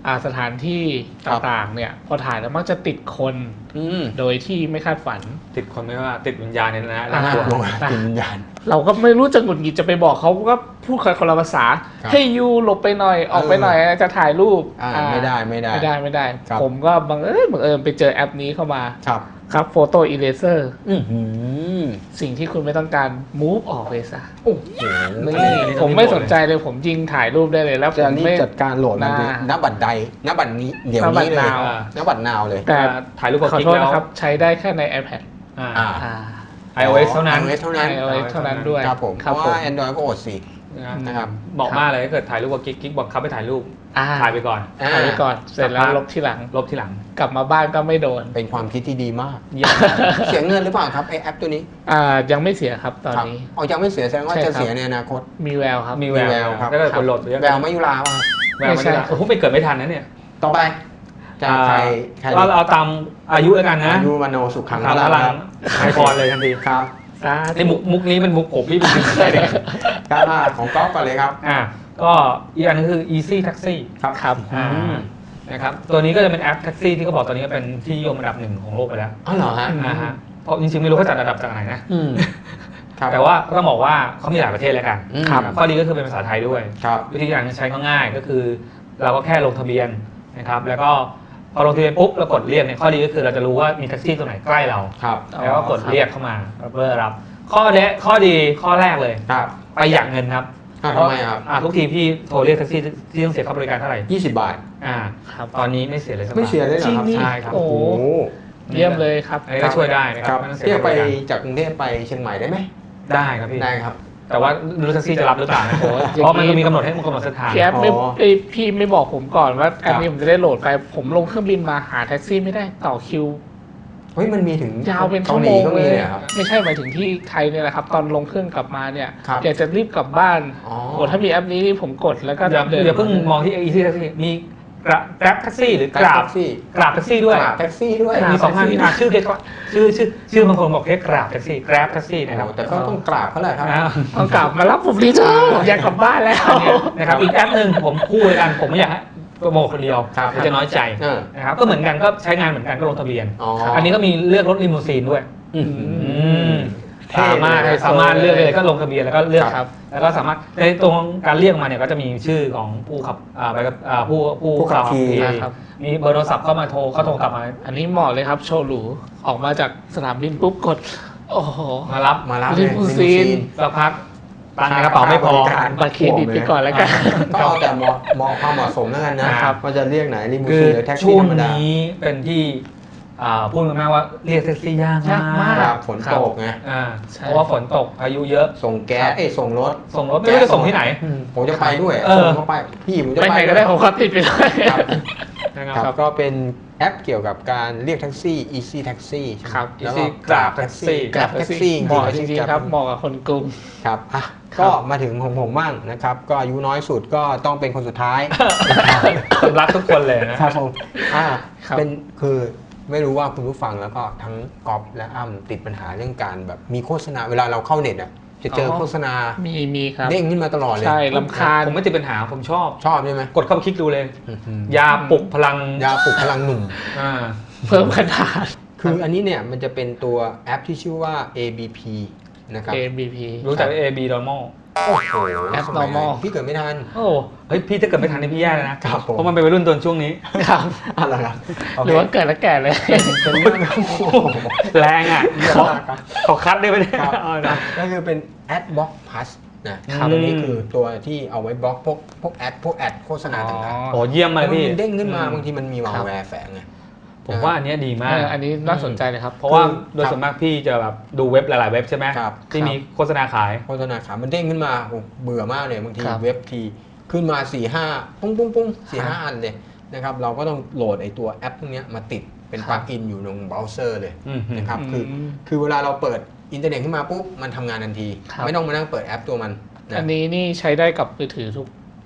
Speaker 3: สถานที่ต่างๆเนี่ยพอถ่ายแล้วมักจะติดคนโดยที่ไม่คาดฝัน
Speaker 2: ติดคนไม่ว่าติดวิญญาณเนี่ยนะ
Speaker 3: อ่า
Speaker 2: น่ากลัว
Speaker 1: ลงติดวิญญาณ
Speaker 3: เราก็ไม่รู้จะหงุดหงิดจะไปบอกเขาก็พูดคนละภาษา
Speaker 1: ครับ
Speaker 3: ให้ยูหลบไปหน่อยออกไปหน่อยจะถ่ายรูป
Speaker 1: ไม่ได้ ครับ
Speaker 3: ผมก็บังเอิญไปเจอแอปนี้เข้ามา
Speaker 1: ครับ
Speaker 3: ครับโฟโต้อีเลเซอร์
Speaker 1: อื้อหือ
Speaker 3: สิ่งที่คุณไม่ต้องการ move ออกไปซะ
Speaker 1: โอ้โห
Speaker 3: นี่ผมไม่สนใจเลยผมยิงถ่ายรูปได้เลยแล้วผ
Speaker 1: จะ
Speaker 3: ม
Speaker 1: รีบ
Speaker 3: ไม่
Speaker 1: จัดการโหลดมันเลย
Speaker 3: น่า
Speaker 1: ณบัตรใดณบัตรนี้เดี๋ยวนี้เลย
Speaker 3: ณบัตร
Speaker 1: ณบัตรนาวเลย
Speaker 3: แต่
Speaker 2: ถ่ายรูปกับ
Speaker 3: ขอ
Speaker 2: กิ๊ก
Speaker 3: โทษ
Speaker 2: แล้ว
Speaker 3: นะครับ ใช้ได้แค่ใน iPad
Speaker 2: อ่า
Speaker 1: อ่า
Speaker 2: iOS เท่านั้น
Speaker 1: iOS เท่านั้น
Speaker 3: iOS เท่านั้นด้วย
Speaker 1: ครับผมเพ
Speaker 3: ครับ
Speaker 1: ราะ
Speaker 3: ผม
Speaker 1: ว่า Android ก็อดสิ นะครับ
Speaker 2: บอกมากเลยถ้าเกิดถ่ายรูปกับกิ๊กบอกเขาไปถ่ายรูป
Speaker 3: อ่า
Speaker 2: ถ่ายไปก่อน
Speaker 3: ถ่ายไว้ก่อนเสร็จแล้วลบที่หลัง
Speaker 2: ลบทีหลัง
Speaker 3: กลับมาบ้านก็ไม่โดน
Speaker 1: เป็นความคิดที่ดีมาก
Speaker 2: เยี่ยม
Speaker 1: เสียเงินหรือเปล่าครับไอแอปตัวนี้
Speaker 3: ยังไม่เสียครับตอน
Speaker 1: ครับ
Speaker 3: นี้
Speaker 1: เอายังไม่เสียแสดงว่า
Speaker 3: ใช่
Speaker 1: จะ
Speaker 3: ครับ
Speaker 1: เสียในอนาคต
Speaker 3: มีแววครับ
Speaker 2: มีแว
Speaker 1: มีแว
Speaker 2: ว
Speaker 1: วครับ
Speaker 2: ถ้าเกิดคนโหลดเยอะ
Speaker 1: แววไม่ยุราว่ะ
Speaker 2: แววไม่ได้โอ้โหไปเกิดไม่ทันนะเนี่ย
Speaker 1: ต่อไปจะใคร
Speaker 2: เราเอาตามอายุแล้วกันนะ
Speaker 1: อายุมโนสุขัง
Speaker 2: ทางพลังไอพรเลยทันที
Speaker 1: ครับ
Speaker 2: ในมุกนี้เป็นมุกผมพี่เป็นใช่ไหม
Speaker 1: ครับของก๊อฟก่อนเลยครับ
Speaker 2: ก็อีกอันนึงคือ Easy Taxi
Speaker 1: ครับ
Speaker 3: ครับ
Speaker 2: นะครับตัวนี้ก็จะเป็นแอปแท็กซี่ที่เขาบอกตอนนี้เป็นที่นิยมอันดับหนึ่งของโลกไปแล้ว
Speaker 1: อ๋อเหรอฮะ
Speaker 2: ฮะเพราะจริงๆไม่รู้เขาจัดอันดับจากไหนนะ
Speaker 1: อืมครับ
Speaker 2: แต่ว่าก็ต้องบอกว่าเขามีหลายประเทศแล้วกัน
Speaker 1: ครับ
Speaker 2: ข้อดีก็คือเป็นภาษาไทยด้วย
Speaker 1: ครับ
Speaker 2: วิธีการใช้ก็ง่ายก็คือ เราก็แค่ลงทะเบียนนะครับแล้วก็พอลงทะเบียนปุ๊บเรากดเรียกเนี่ยข้อดีก็คือเราจะรู้ว่ามีแท็กซี่ตัวไหนใกล้เรา
Speaker 1: ครับ
Speaker 2: แล้วก็กดเรียกเข้ามาเพื่อรับข้อดีข้อแรกเลย
Speaker 1: ครับ
Speaker 2: ประหยัดเงินครับ
Speaker 1: ทำไมครับ
Speaker 2: ทุกทีพี่โทรเรียกแท็กซี่ที่ต้องเสียค่าบริการเท่าไหร่
Speaker 1: 20 บาท
Speaker 3: ครับ
Speaker 2: ตอนนี้ไม่เสียเลยสักบาท
Speaker 1: ไม่เสียเลยเหรอครับ
Speaker 3: จริงนี่
Speaker 2: ใช่ครับ
Speaker 3: โอ้
Speaker 1: โอ้โห
Speaker 3: เยี่ยมเลยครับ
Speaker 2: อันนี้ก็ช่วยได้นะค
Speaker 1: ค
Speaker 2: รั
Speaker 1: รั
Speaker 2: บบ ไม่ต้องเสีย
Speaker 1: เที่ยว
Speaker 2: ค่าบ
Speaker 1: ไป
Speaker 2: ริการ
Speaker 1: จากกรุงเทพไปเชียงใหม่ได้ไหม
Speaker 2: ได้ครับพี่
Speaker 1: ได้ครับ
Speaker 2: แต่ว่าไม่รู้แท็กซี่จะรับหรือเปล่านะเพราะมันมีกำหนดให้มันกำหนดเส้นทาง
Speaker 3: พี่แอปไม่
Speaker 1: อ๋อ
Speaker 3: พี่ไม่บอกผมก่อนว่า
Speaker 1: ครับ
Speaker 3: อันนี้ผมจะได้โหลดไป ผมลงเครื่องบินมาหาแท็กซี่ไม่ได้ต่อคิว
Speaker 1: เฮ้ยมันมีถึง
Speaker 3: ยาวเป็นชั่ว
Speaker 1: กาห
Speaker 3: โม
Speaker 1: ลี
Speaker 3: ง
Speaker 1: ก็
Speaker 3: เล
Speaker 1: มี
Speaker 3: ย
Speaker 1: เลยเหรอครับ
Speaker 3: ไม่ใช่หมายถึงที่ไทยเนี่ยแหละครับ ตอนลงเครื่องกลับมาเนี่ย
Speaker 1: ครับ
Speaker 3: อยากจะรีบกลับบ้าน
Speaker 1: อ๋อ
Speaker 3: โอ้ถ้ามีแอปนี้นี่ผมกดแล้วก็
Speaker 2: อย่าเพิ่งมองที่ Easy Taxi มีกราบแท็กซี่หรือกราบ
Speaker 1: แท็กซี่
Speaker 2: กราบแท็กซี่ด้วย
Speaker 1: กราบแท็กซี่ด้วย
Speaker 2: มีสองอันชื่อเรียกว่าชื่อบางคนบอกเรียกกราบแท็กซี่กราบแท็กซี่นะครับ
Speaker 1: โอ้แต่ก็ต้องกราบเขาแหละครับ
Speaker 3: ต้องกลับมารับผมดีจ้าผมอยากกลับบ้านแล้ว
Speaker 2: นะครับอีกแอปหนึ่งผมคู่เลยกันผมไม่อยากให้โปรโมทคนเดียว
Speaker 1: ครับ
Speaker 2: เดี๋ยวจะน้อยใจ
Speaker 1: เออ
Speaker 2: นะครับก็เหมือนกันก็ใช้งานเหมือนกันก็ลงทะเบียน
Speaker 1: อ๋อ
Speaker 2: อันนี้ก็มีเลือกรถลิมูซีนด้วย
Speaker 1: อืม เท่
Speaker 2: สามารถเลือกเลยก็ลงทะเบียนแล้วก็เลือก
Speaker 3: ครับ
Speaker 2: แล้วก็สามารถในตรงการเรียกมาเนี่ยก็จะมีชื่อของผู้ขับไปกับผู้
Speaker 1: ขับขี่
Speaker 3: นะครับ
Speaker 2: มีเบอร์โทรศัพท์เข้ามาโทรเขาโทรกลับมา
Speaker 3: อันนี้เหมาะเลยครับโชว์หรูออกมาจากสนามบินปุ๊บกด โอ้โห
Speaker 2: มารับ
Speaker 1: มารับ
Speaker 3: ลิมูซีน
Speaker 2: สักพักตังค์ในกระเป๋าไม่พอ
Speaker 3: บัตรเครดิตไปก่อนแล้วกัน
Speaker 1: ก็เอาแต่เหมาะความเหมาะสมแล้วกันนะครับ ว่าจะเรียกไหนลิมู
Speaker 2: คื
Speaker 1: ซี
Speaker 2: อน
Speaker 1: หรือแท็ก
Speaker 2: ช่
Speaker 1: ซี่
Speaker 2: วง
Speaker 1: ธรรมดา
Speaker 2: นี้เป็นที่พูดกันมากว่าเรียกแท็กซี่ยาก
Speaker 3: ยากมาก
Speaker 1: ครับฝนตกไง
Speaker 3: ใช่
Speaker 2: เพราะว่าฝนตกพายุเยอะ
Speaker 1: ส่งแก๊สส่งรถ
Speaker 2: ส่งรถไม่รู้จะส่งที่ไหน
Speaker 1: ผมจะไปด้วย
Speaker 2: เออ
Speaker 1: ผมก็ไปพี่ผมจะ
Speaker 3: ไป
Speaker 1: ไป
Speaker 3: ไหนก็ได้ผมขอติดไปด้วย
Speaker 1: ครับ
Speaker 2: นะครับ
Speaker 1: ครับก็เป็นแอปเกี่ยวกับการเรียกแท็กซี่ Easy Taxi
Speaker 3: ครับ
Speaker 1: แล้วก็
Speaker 2: Easy
Speaker 1: กราบแท็กซี่
Speaker 3: กราบแท็กซี่เหมาะจริงๆครับเหมาะกับคนกรุง
Speaker 1: ครับอ่ะ
Speaker 3: ครับ
Speaker 1: ก็มาถึงของผมบ้างนะครับ ก็อายุน้อยสุดก็ต้องเป็นคนสุดท้าย
Speaker 2: ผมรักทุกคนเลยนะครับ
Speaker 1: ผมอ่า
Speaker 3: ครับ
Speaker 1: เป็นคือไม่รู้ว่าคุณผู้ฟังแล้วก็ทั้งก๊อฟและอ้ำติดปัญหาเรื่องการแบบมีโฆษณาเวลาเราเข้าเน็ตอ่ะจะเจอโฆษณา
Speaker 3: มีครับ
Speaker 1: เด้งขึ้นมาตลอดเลย
Speaker 3: ใช่ลำคาญ
Speaker 2: ผมไม่ติดปัญหาผมชอบ
Speaker 1: ชอบใช่ไหม
Speaker 2: กดเข้าไปคลิกดูเลย
Speaker 1: อื้อหือย
Speaker 2: าปลุกพลัง
Speaker 1: ยาปลุกพลังหนุ่ม
Speaker 2: อ่า
Speaker 3: เพิ่มขนาด
Speaker 1: คืออันนี้เนี่ยมันจะเป็นตัวแอปที่ชื่อว่า ABP นะครับ
Speaker 3: ABP
Speaker 2: รู้จัก AB normal
Speaker 1: โอ้โห
Speaker 3: แอป
Speaker 1: สมัย
Speaker 3: normal
Speaker 1: พี่เกิดไม่ทัน
Speaker 2: โอ้เฮ้ยพี่ถ้าเกิดไม่ทันนี่พี่แย่เลยนะครับ
Speaker 1: ผม
Speaker 2: เพราะมันเป็นวัยรุ่นตอนช่วงนี้
Speaker 3: ครับ
Speaker 1: อะไรครับ
Speaker 3: หรือว่าเกิดแล้วแก่เลย
Speaker 1: เป็นเรื่องโอ้โห
Speaker 2: แรงอ่ะ
Speaker 1: เยอะมากครับ
Speaker 2: ขอคัดได้ไหมเนี่ย
Speaker 1: ครับ
Speaker 2: เอานะ
Speaker 1: ก็คือเป็น Adblock Plus นะครับ
Speaker 2: อืม
Speaker 1: ตัวนี้คือตัวที่เอาไว้บล็อกพวกแอดโฆษณาต่างๆ
Speaker 2: โอ้เยี่ยม
Speaker 1: แล้
Speaker 2: มา
Speaker 1: วย
Speaker 2: พี่
Speaker 1: มันเด้งขึ้นมา
Speaker 2: อื
Speaker 1: บางทีมันมีมาแวร์แฝงไง
Speaker 2: ผมว่าอันเนี้ยดีมาก
Speaker 3: อันนี้น่าสนใจเลยครับ
Speaker 2: เพราะว่า
Speaker 1: คือ
Speaker 2: โดยส่วนมากพี่จะแบบดูเว็บหลายๆเว็บใช่ไหม
Speaker 1: ครับ
Speaker 2: ที่มีโฆษณาขาย
Speaker 1: โฆษณาขามันเด้งขึ้นมาโอ้เบื่อมากเลยบางที
Speaker 3: ครับ
Speaker 1: เว็บทีขึ้นมา 4-5 ปุ้งปุ้งปุ้ง4-5 อันเลยนะครับเราก็ต้องโหลดไอตัวแอปพวกเนี้ยมาติดเป็น
Speaker 3: ครั
Speaker 1: ปลั
Speaker 3: บ
Speaker 1: ๊กอินอยู่ในเบราว์เซอร์เลย
Speaker 2: อืม
Speaker 1: นะครับ
Speaker 3: อืม
Speaker 1: คือเวลาเราเปิดอินเทอร์เน็ตขึ้นมาปุ๊บมันทำงานทันที
Speaker 3: ครับ
Speaker 1: ไม่ต้องมานั่งเปิดแอปตัวมันนะ
Speaker 3: อันนี้นี่ใช้ได้กับมือถือ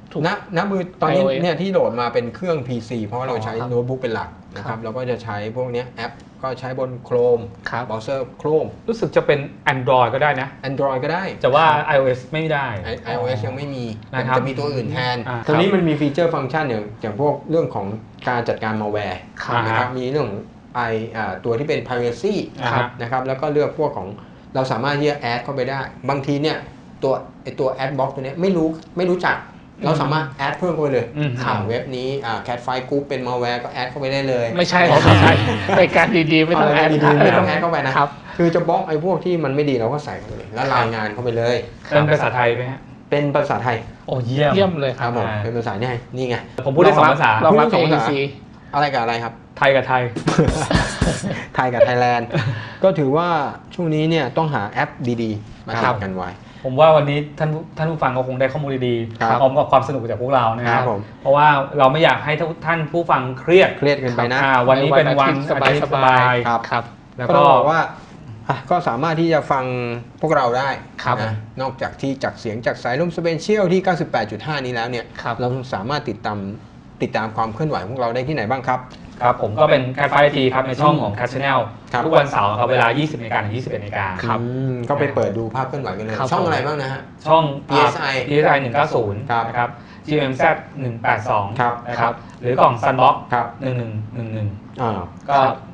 Speaker 1: ณมือตอนนี้
Speaker 3: iOS
Speaker 1: เนี่ยที่โหลดมาเป็นเครื่อง PC เพราะว่าเราใช้
Speaker 3: ครับ
Speaker 1: โน้ตบุ๊กเป็นหลักนะค
Speaker 3: ครั
Speaker 1: รับบ เราก็จะใช้พวกเนี้ยแอปก็ใช้บน Chrome
Speaker 3: ครับ
Speaker 1: เบราว์เซอร์ Chrome
Speaker 2: รู้สึกจะเป็น Android ก็ได้นะ
Speaker 1: Android ก็ได้
Speaker 2: แต่ว่า iOS ไม่ได้
Speaker 1: iOS ยังไม่มี
Speaker 2: นะครับ
Speaker 1: จะมีตัวอื่นแทน
Speaker 2: ครับ
Speaker 1: ตัวนี้มันมีฟีเจอร์ฟังก์ชันอย่างพวกเรื่องของการจัดการ malware
Speaker 2: ครับ
Speaker 1: นะครับมีเรื่องของตัวที่เป็น privacy
Speaker 2: ครับ
Speaker 1: นะครับแล้วก็เลือกพวกของเราสามารถที่จะแอดเข้าไปได้ บางทีเนี่ยตัว ad box ตัวเนี้ยไม่รู้จัก เราสามารถแอดเพิ่มเข้าไปเลย
Speaker 2: อืม
Speaker 1: เว็บนี้Cat5 Group เป็น malware ก็แอดเข้าไปได้เลย
Speaker 3: ไม่ใช่ครับไม่ใช่รายการดีๆไม่ต้องแอด
Speaker 1: ดีๆไม่ต้องแอ
Speaker 3: ค
Speaker 1: ด
Speaker 3: รับ
Speaker 1: เข้าไปนะครับ คือจะบล็อกไอ้พวกที่มันไม่ดีเราก็ใส่เข้าไปเลยแล้วรายงานเข้าไปเลย
Speaker 2: เป็นภาษาไทยไหมฮะ
Speaker 1: เป็นภาษาไทย
Speaker 2: โอ้เยี่ยม
Speaker 3: เยี่ยมเลยค
Speaker 1: ค
Speaker 3: รั
Speaker 1: รั
Speaker 3: บบ
Speaker 1: ผมเป็นภาษาเนี่ยนี่ไง
Speaker 2: ผมพูดได้สองภาษา
Speaker 3: รองรับ
Speaker 1: พูดได้สองภาษา
Speaker 3: AEC
Speaker 1: อะไรกับอะไรครับ
Speaker 2: ไทยกับไทย
Speaker 1: ไทยกับไทยแลนด์ ก็ถือว่าช่วงนี้เนี่ยต้องหาแอปดีๆ มา
Speaker 3: ครับ
Speaker 1: ทำกันไว้
Speaker 2: ผมว่าวันนี้ท่านผู้ฟังก็คงได้ข้อมูลดี
Speaker 1: ครับ
Speaker 2: ๆพร้อมกับความสนุกจากพวกเรานะค
Speaker 1: ค
Speaker 2: รั
Speaker 1: รั
Speaker 2: บบ
Speaker 1: ผม
Speaker 2: เพราะว่าเราไม่อยากให้ท่านผู้ฟังเครียด
Speaker 1: เครียดเกินไปนะ
Speaker 2: วันนี้เป็นวัน
Speaker 3: สบาย
Speaker 2: อาทิตย์
Speaker 3: สบาย
Speaker 1: ครับ
Speaker 3: ครับ
Speaker 2: แล้ว
Speaker 1: ก็
Speaker 2: ก็
Speaker 1: ต้องบอกว่าก็สามารถที่จะฟังพวกเราได้
Speaker 3: ครับ
Speaker 1: นะนอกจากที่จากเสียงจากสายลมสเปเชียลที่ 98.5 นี้แล้วเนี่ย
Speaker 3: ครับ
Speaker 1: เราสามารถติดตามความเคลื่อนไหวของเราได้ที่ไหนบ้างครับ
Speaker 2: ครับผมก็เป็นการไฟทีครับในช่องของ Cat Channel
Speaker 1: ครับ
Speaker 2: ทุกวันเสาร์ครับเวลา 20 นาฬิกาถึง 21 นาฬิกา
Speaker 1: ก็ไปเปิดดูภาพเคลื่อนไหวกันเลย
Speaker 3: ครับ
Speaker 1: ช่องอะไรบ้างนะฮะ
Speaker 2: ช่อง
Speaker 1: PSI
Speaker 2: PSI 190
Speaker 1: ครับ
Speaker 2: นะครับ GMZ 182
Speaker 1: ครับ
Speaker 2: นะครับหรือกล่อง Sunbox
Speaker 1: ครับ
Speaker 2: 1111
Speaker 1: อ่า
Speaker 2: ก็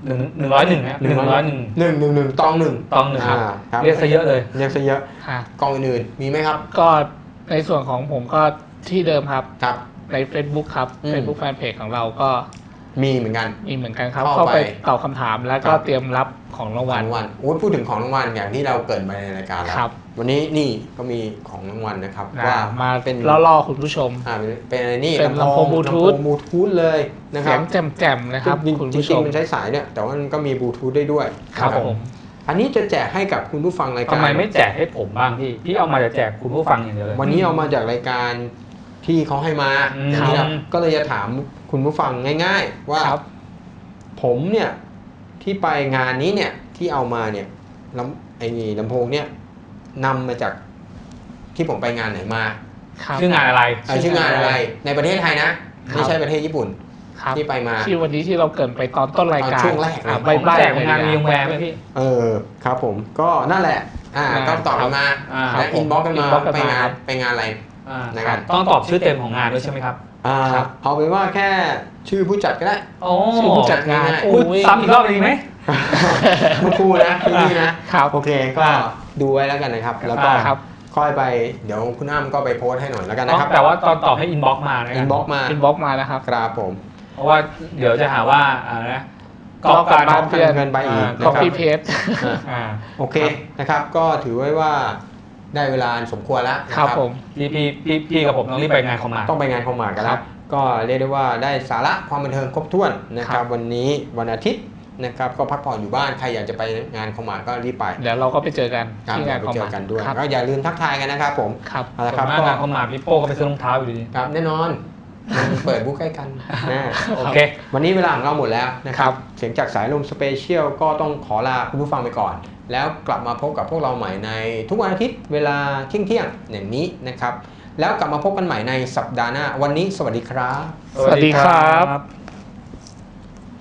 Speaker 2: 101นะ101
Speaker 1: 111ตองหนึ่ง
Speaker 2: ตองหนึ่งครับ
Speaker 1: ครับ
Speaker 2: เรียกซะเยอะเลย
Speaker 1: เรียกซะเยอะ
Speaker 3: ฮะ
Speaker 1: กองอื่นๆมีไหมครับ
Speaker 3: ก็ในส่วนของผมก็ที่เดิมครับ
Speaker 1: ครับ
Speaker 3: ใน Facebook ครับ
Speaker 1: อืม
Speaker 3: Facebook Fanpage ของเราก็
Speaker 1: มีเหมือนกัน
Speaker 3: มีเหมือนกันครับ
Speaker 1: เข้า
Speaker 3: เข้า
Speaker 1: ไป
Speaker 3: ไปตอบคำถามแล้วก็
Speaker 1: ครับ
Speaker 3: เตรียมรับของราง
Speaker 1: ข
Speaker 3: วั
Speaker 1: อง
Speaker 3: ล
Speaker 1: รางวัลโอ้ยพูดถึงของรางวัลอย่างที่เราเกริดไปในรายการแล้ว
Speaker 3: ครับ
Speaker 1: วันนี้นี่ก็มีของรางวัลนะครับ
Speaker 3: นะ
Speaker 1: ว่า
Speaker 3: มา
Speaker 1: เป็น
Speaker 3: ล่อๆคุณผู้ชม
Speaker 1: เป็นอะไรนี่
Speaker 3: เป็นลำโพง Bluetooth
Speaker 1: บลูทูธเลยนะค
Speaker 3: เสี
Speaker 1: รั
Speaker 3: ย
Speaker 1: บ
Speaker 3: งแจ่มๆนะครับ
Speaker 1: จริง
Speaker 3: คุณ
Speaker 1: ๆ
Speaker 3: ผู้ชม
Speaker 1: มันใช้สายเนี่ยแต่ว่ามันก็มีบลูทูธได้ด้วย
Speaker 3: ครับ
Speaker 1: นะ
Speaker 3: ผม
Speaker 1: อันนี้จะแจกให้กับคุณผู้ฟังรายการ
Speaker 2: ทำไมไม่แจกให้ผมบ้างพี่เอามาจะแจกคุณผู้ฟังอย่างเดียวเลย
Speaker 1: วันนี้เอามาจากรายการที่เขาให้มา
Speaker 2: อืม
Speaker 1: ทีนี้เราก็เลยจะถามคุณผู้ฟังง่าย ๆ ว่า
Speaker 3: ครับ
Speaker 1: ผมเนี่ยที่ไปงานนี้เนี่ยที่เอามาเนี่ยไอ้ลำโพงเนี่ยนำมาจากที่ผมไปงานไหนมา
Speaker 3: ครับ
Speaker 2: ชื่องานอะไร
Speaker 1: ชื่องานอะไรในประเทศไทยนะ ไม่ใช่ประเทศญี่ปุ่น
Speaker 3: ครับ
Speaker 1: ที่ไปมา
Speaker 3: ที่วันนี้ที่เราเกรินไปตอนต้นรายการ
Speaker 1: ตอนช่วงแรกเลย
Speaker 3: อ่ะ
Speaker 2: ผม
Speaker 3: ใบ้ๆ
Speaker 2: แจก
Speaker 3: เลย
Speaker 2: งาน
Speaker 3: นะ
Speaker 2: วีวงแวร์ไหมพี่
Speaker 1: ครับผมก็นั่นแหละก็ตอบกันมา
Speaker 2: ครับ
Speaker 1: และอินบ็อกกันมา
Speaker 3: inbox กัน
Speaker 1: ไป
Speaker 3: มาง
Speaker 1: า
Speaker 3: ครั
Speaker 1: น
Speaker 3: บ
Speaker 1: ไปงานอะไร นะครับ
Speaker 2: ต้องตอบชื่อเต็มของงานด้วยใช่ไหมครับ
Speaker 3: ครับ
Speaker 1: เอาเป็นว่าแค่ชื่อผู้จัดก็ได้
Speaker 2: โอ้
Speaker 3: ชื่อผู้จัดงาน
Speaker 1: ง่ายๆ
Speaker 2: พูดซ้ำอีกรอบดีไหม
Speaker 1: คุณครูนะที่นี่นะครับ โอเคก็ดูไว้แล้วกันนะครับ แล้วก็
Speaker 3: ครับ
Speaker 1: ค่อยไปเดี๋ยวคุณอ้ำก็ไปโพสต์ให้หน่อยแล้วกันนะครับ
Speaker 2: แต่ว่าตอนตอบให้อินบ็อกมานะ
Speaker 1: อินบ็อกมา
Speaker 3: อินบ็อกมานะครับ
Speaker 1: ครับผม
Speaker 2: เพราะว่าเดี๋ยวจะหาว่าอะไรนะ
Speaker 3: ก๊อปการบ้าน
Speaker 1: เพื่อนเงินไปอีก
Speaker 3: ก็
Speaker 1: นะครับ
Speaker 3: พี่เพจ
Speaker 2: อ่า
Speaker 1: โอเคนะครับ ก็ถือไว้ว่าได้เวลาสมควรแล้วนะ
Speaker 3: ค
Speaker 1: ค
Speaker 3: รั
Speaker 1: รั
Speaker 3: บบ ผม
Speaker 2: พี่กับผมต้องรีบไปงานคอมมา
Speaker 1: ต้องไปงานคอมมากัน
Speaker 3: ค
Speaker 1: แล้
Speaker 3: รั
Speaker 1: ว
Speaker 3: บ
Speaker 1: ก็เรียกได้ว่าได้สาระความบันเทิงครบถ้วนนะค
Speaker 3: ครั
Speaker 1: รับบ วันนี้วันอาทิตย์นะครับก็พักผ่อนอยู่บ้านใครอยากจะไปงานคอมมาก็รีบไป
Speaker 3: เดี๋ยวเราก็ไปเจอกัน
Speaker 1: ครับ
Speaker 3: ที่งาน
Speaker 1: ไป
Speaker 3: คอม
Speaker 1: เจ
Speaker 3: มา
Speaker 1: อกันด้วย
Speaker 3: ครับ
Speaker 1: ก็อย่าลืมทักทายกันนะครับผม
Speaker 3: ครับ
Speaker 1: เอาละค
Speaker 2: ค
Speaker 1: รั
Speaker 2: รั
Speaker 1: บบ ก็
Speaker 2: งานคอมมาพี่โป้ก็ไปซื้อรองเท้าอยู่ดี
Speaker 1: ครับแน่นอนมันเปิดบุ๊กใกล้กันนะ
Speaker 2: โอเค
Speaker 1: วันนี้เวลาของเราหมดแล้วนะครับ เสียงจากสายลมสเปเชียลก็ต้องขอลาคุณผู้ฟังไปก่อน แล้วกลับมาพบกับพวกเราใหม่ในทุกวันอาทิตย์เวลาเที่ยงๆอย่างนี้นะครับ แล้วกลับมาพบกันใหม่ในสัปดาห์หน้า วันนี้สวัสดีครับ
Speaker 3: สวัสดีครับ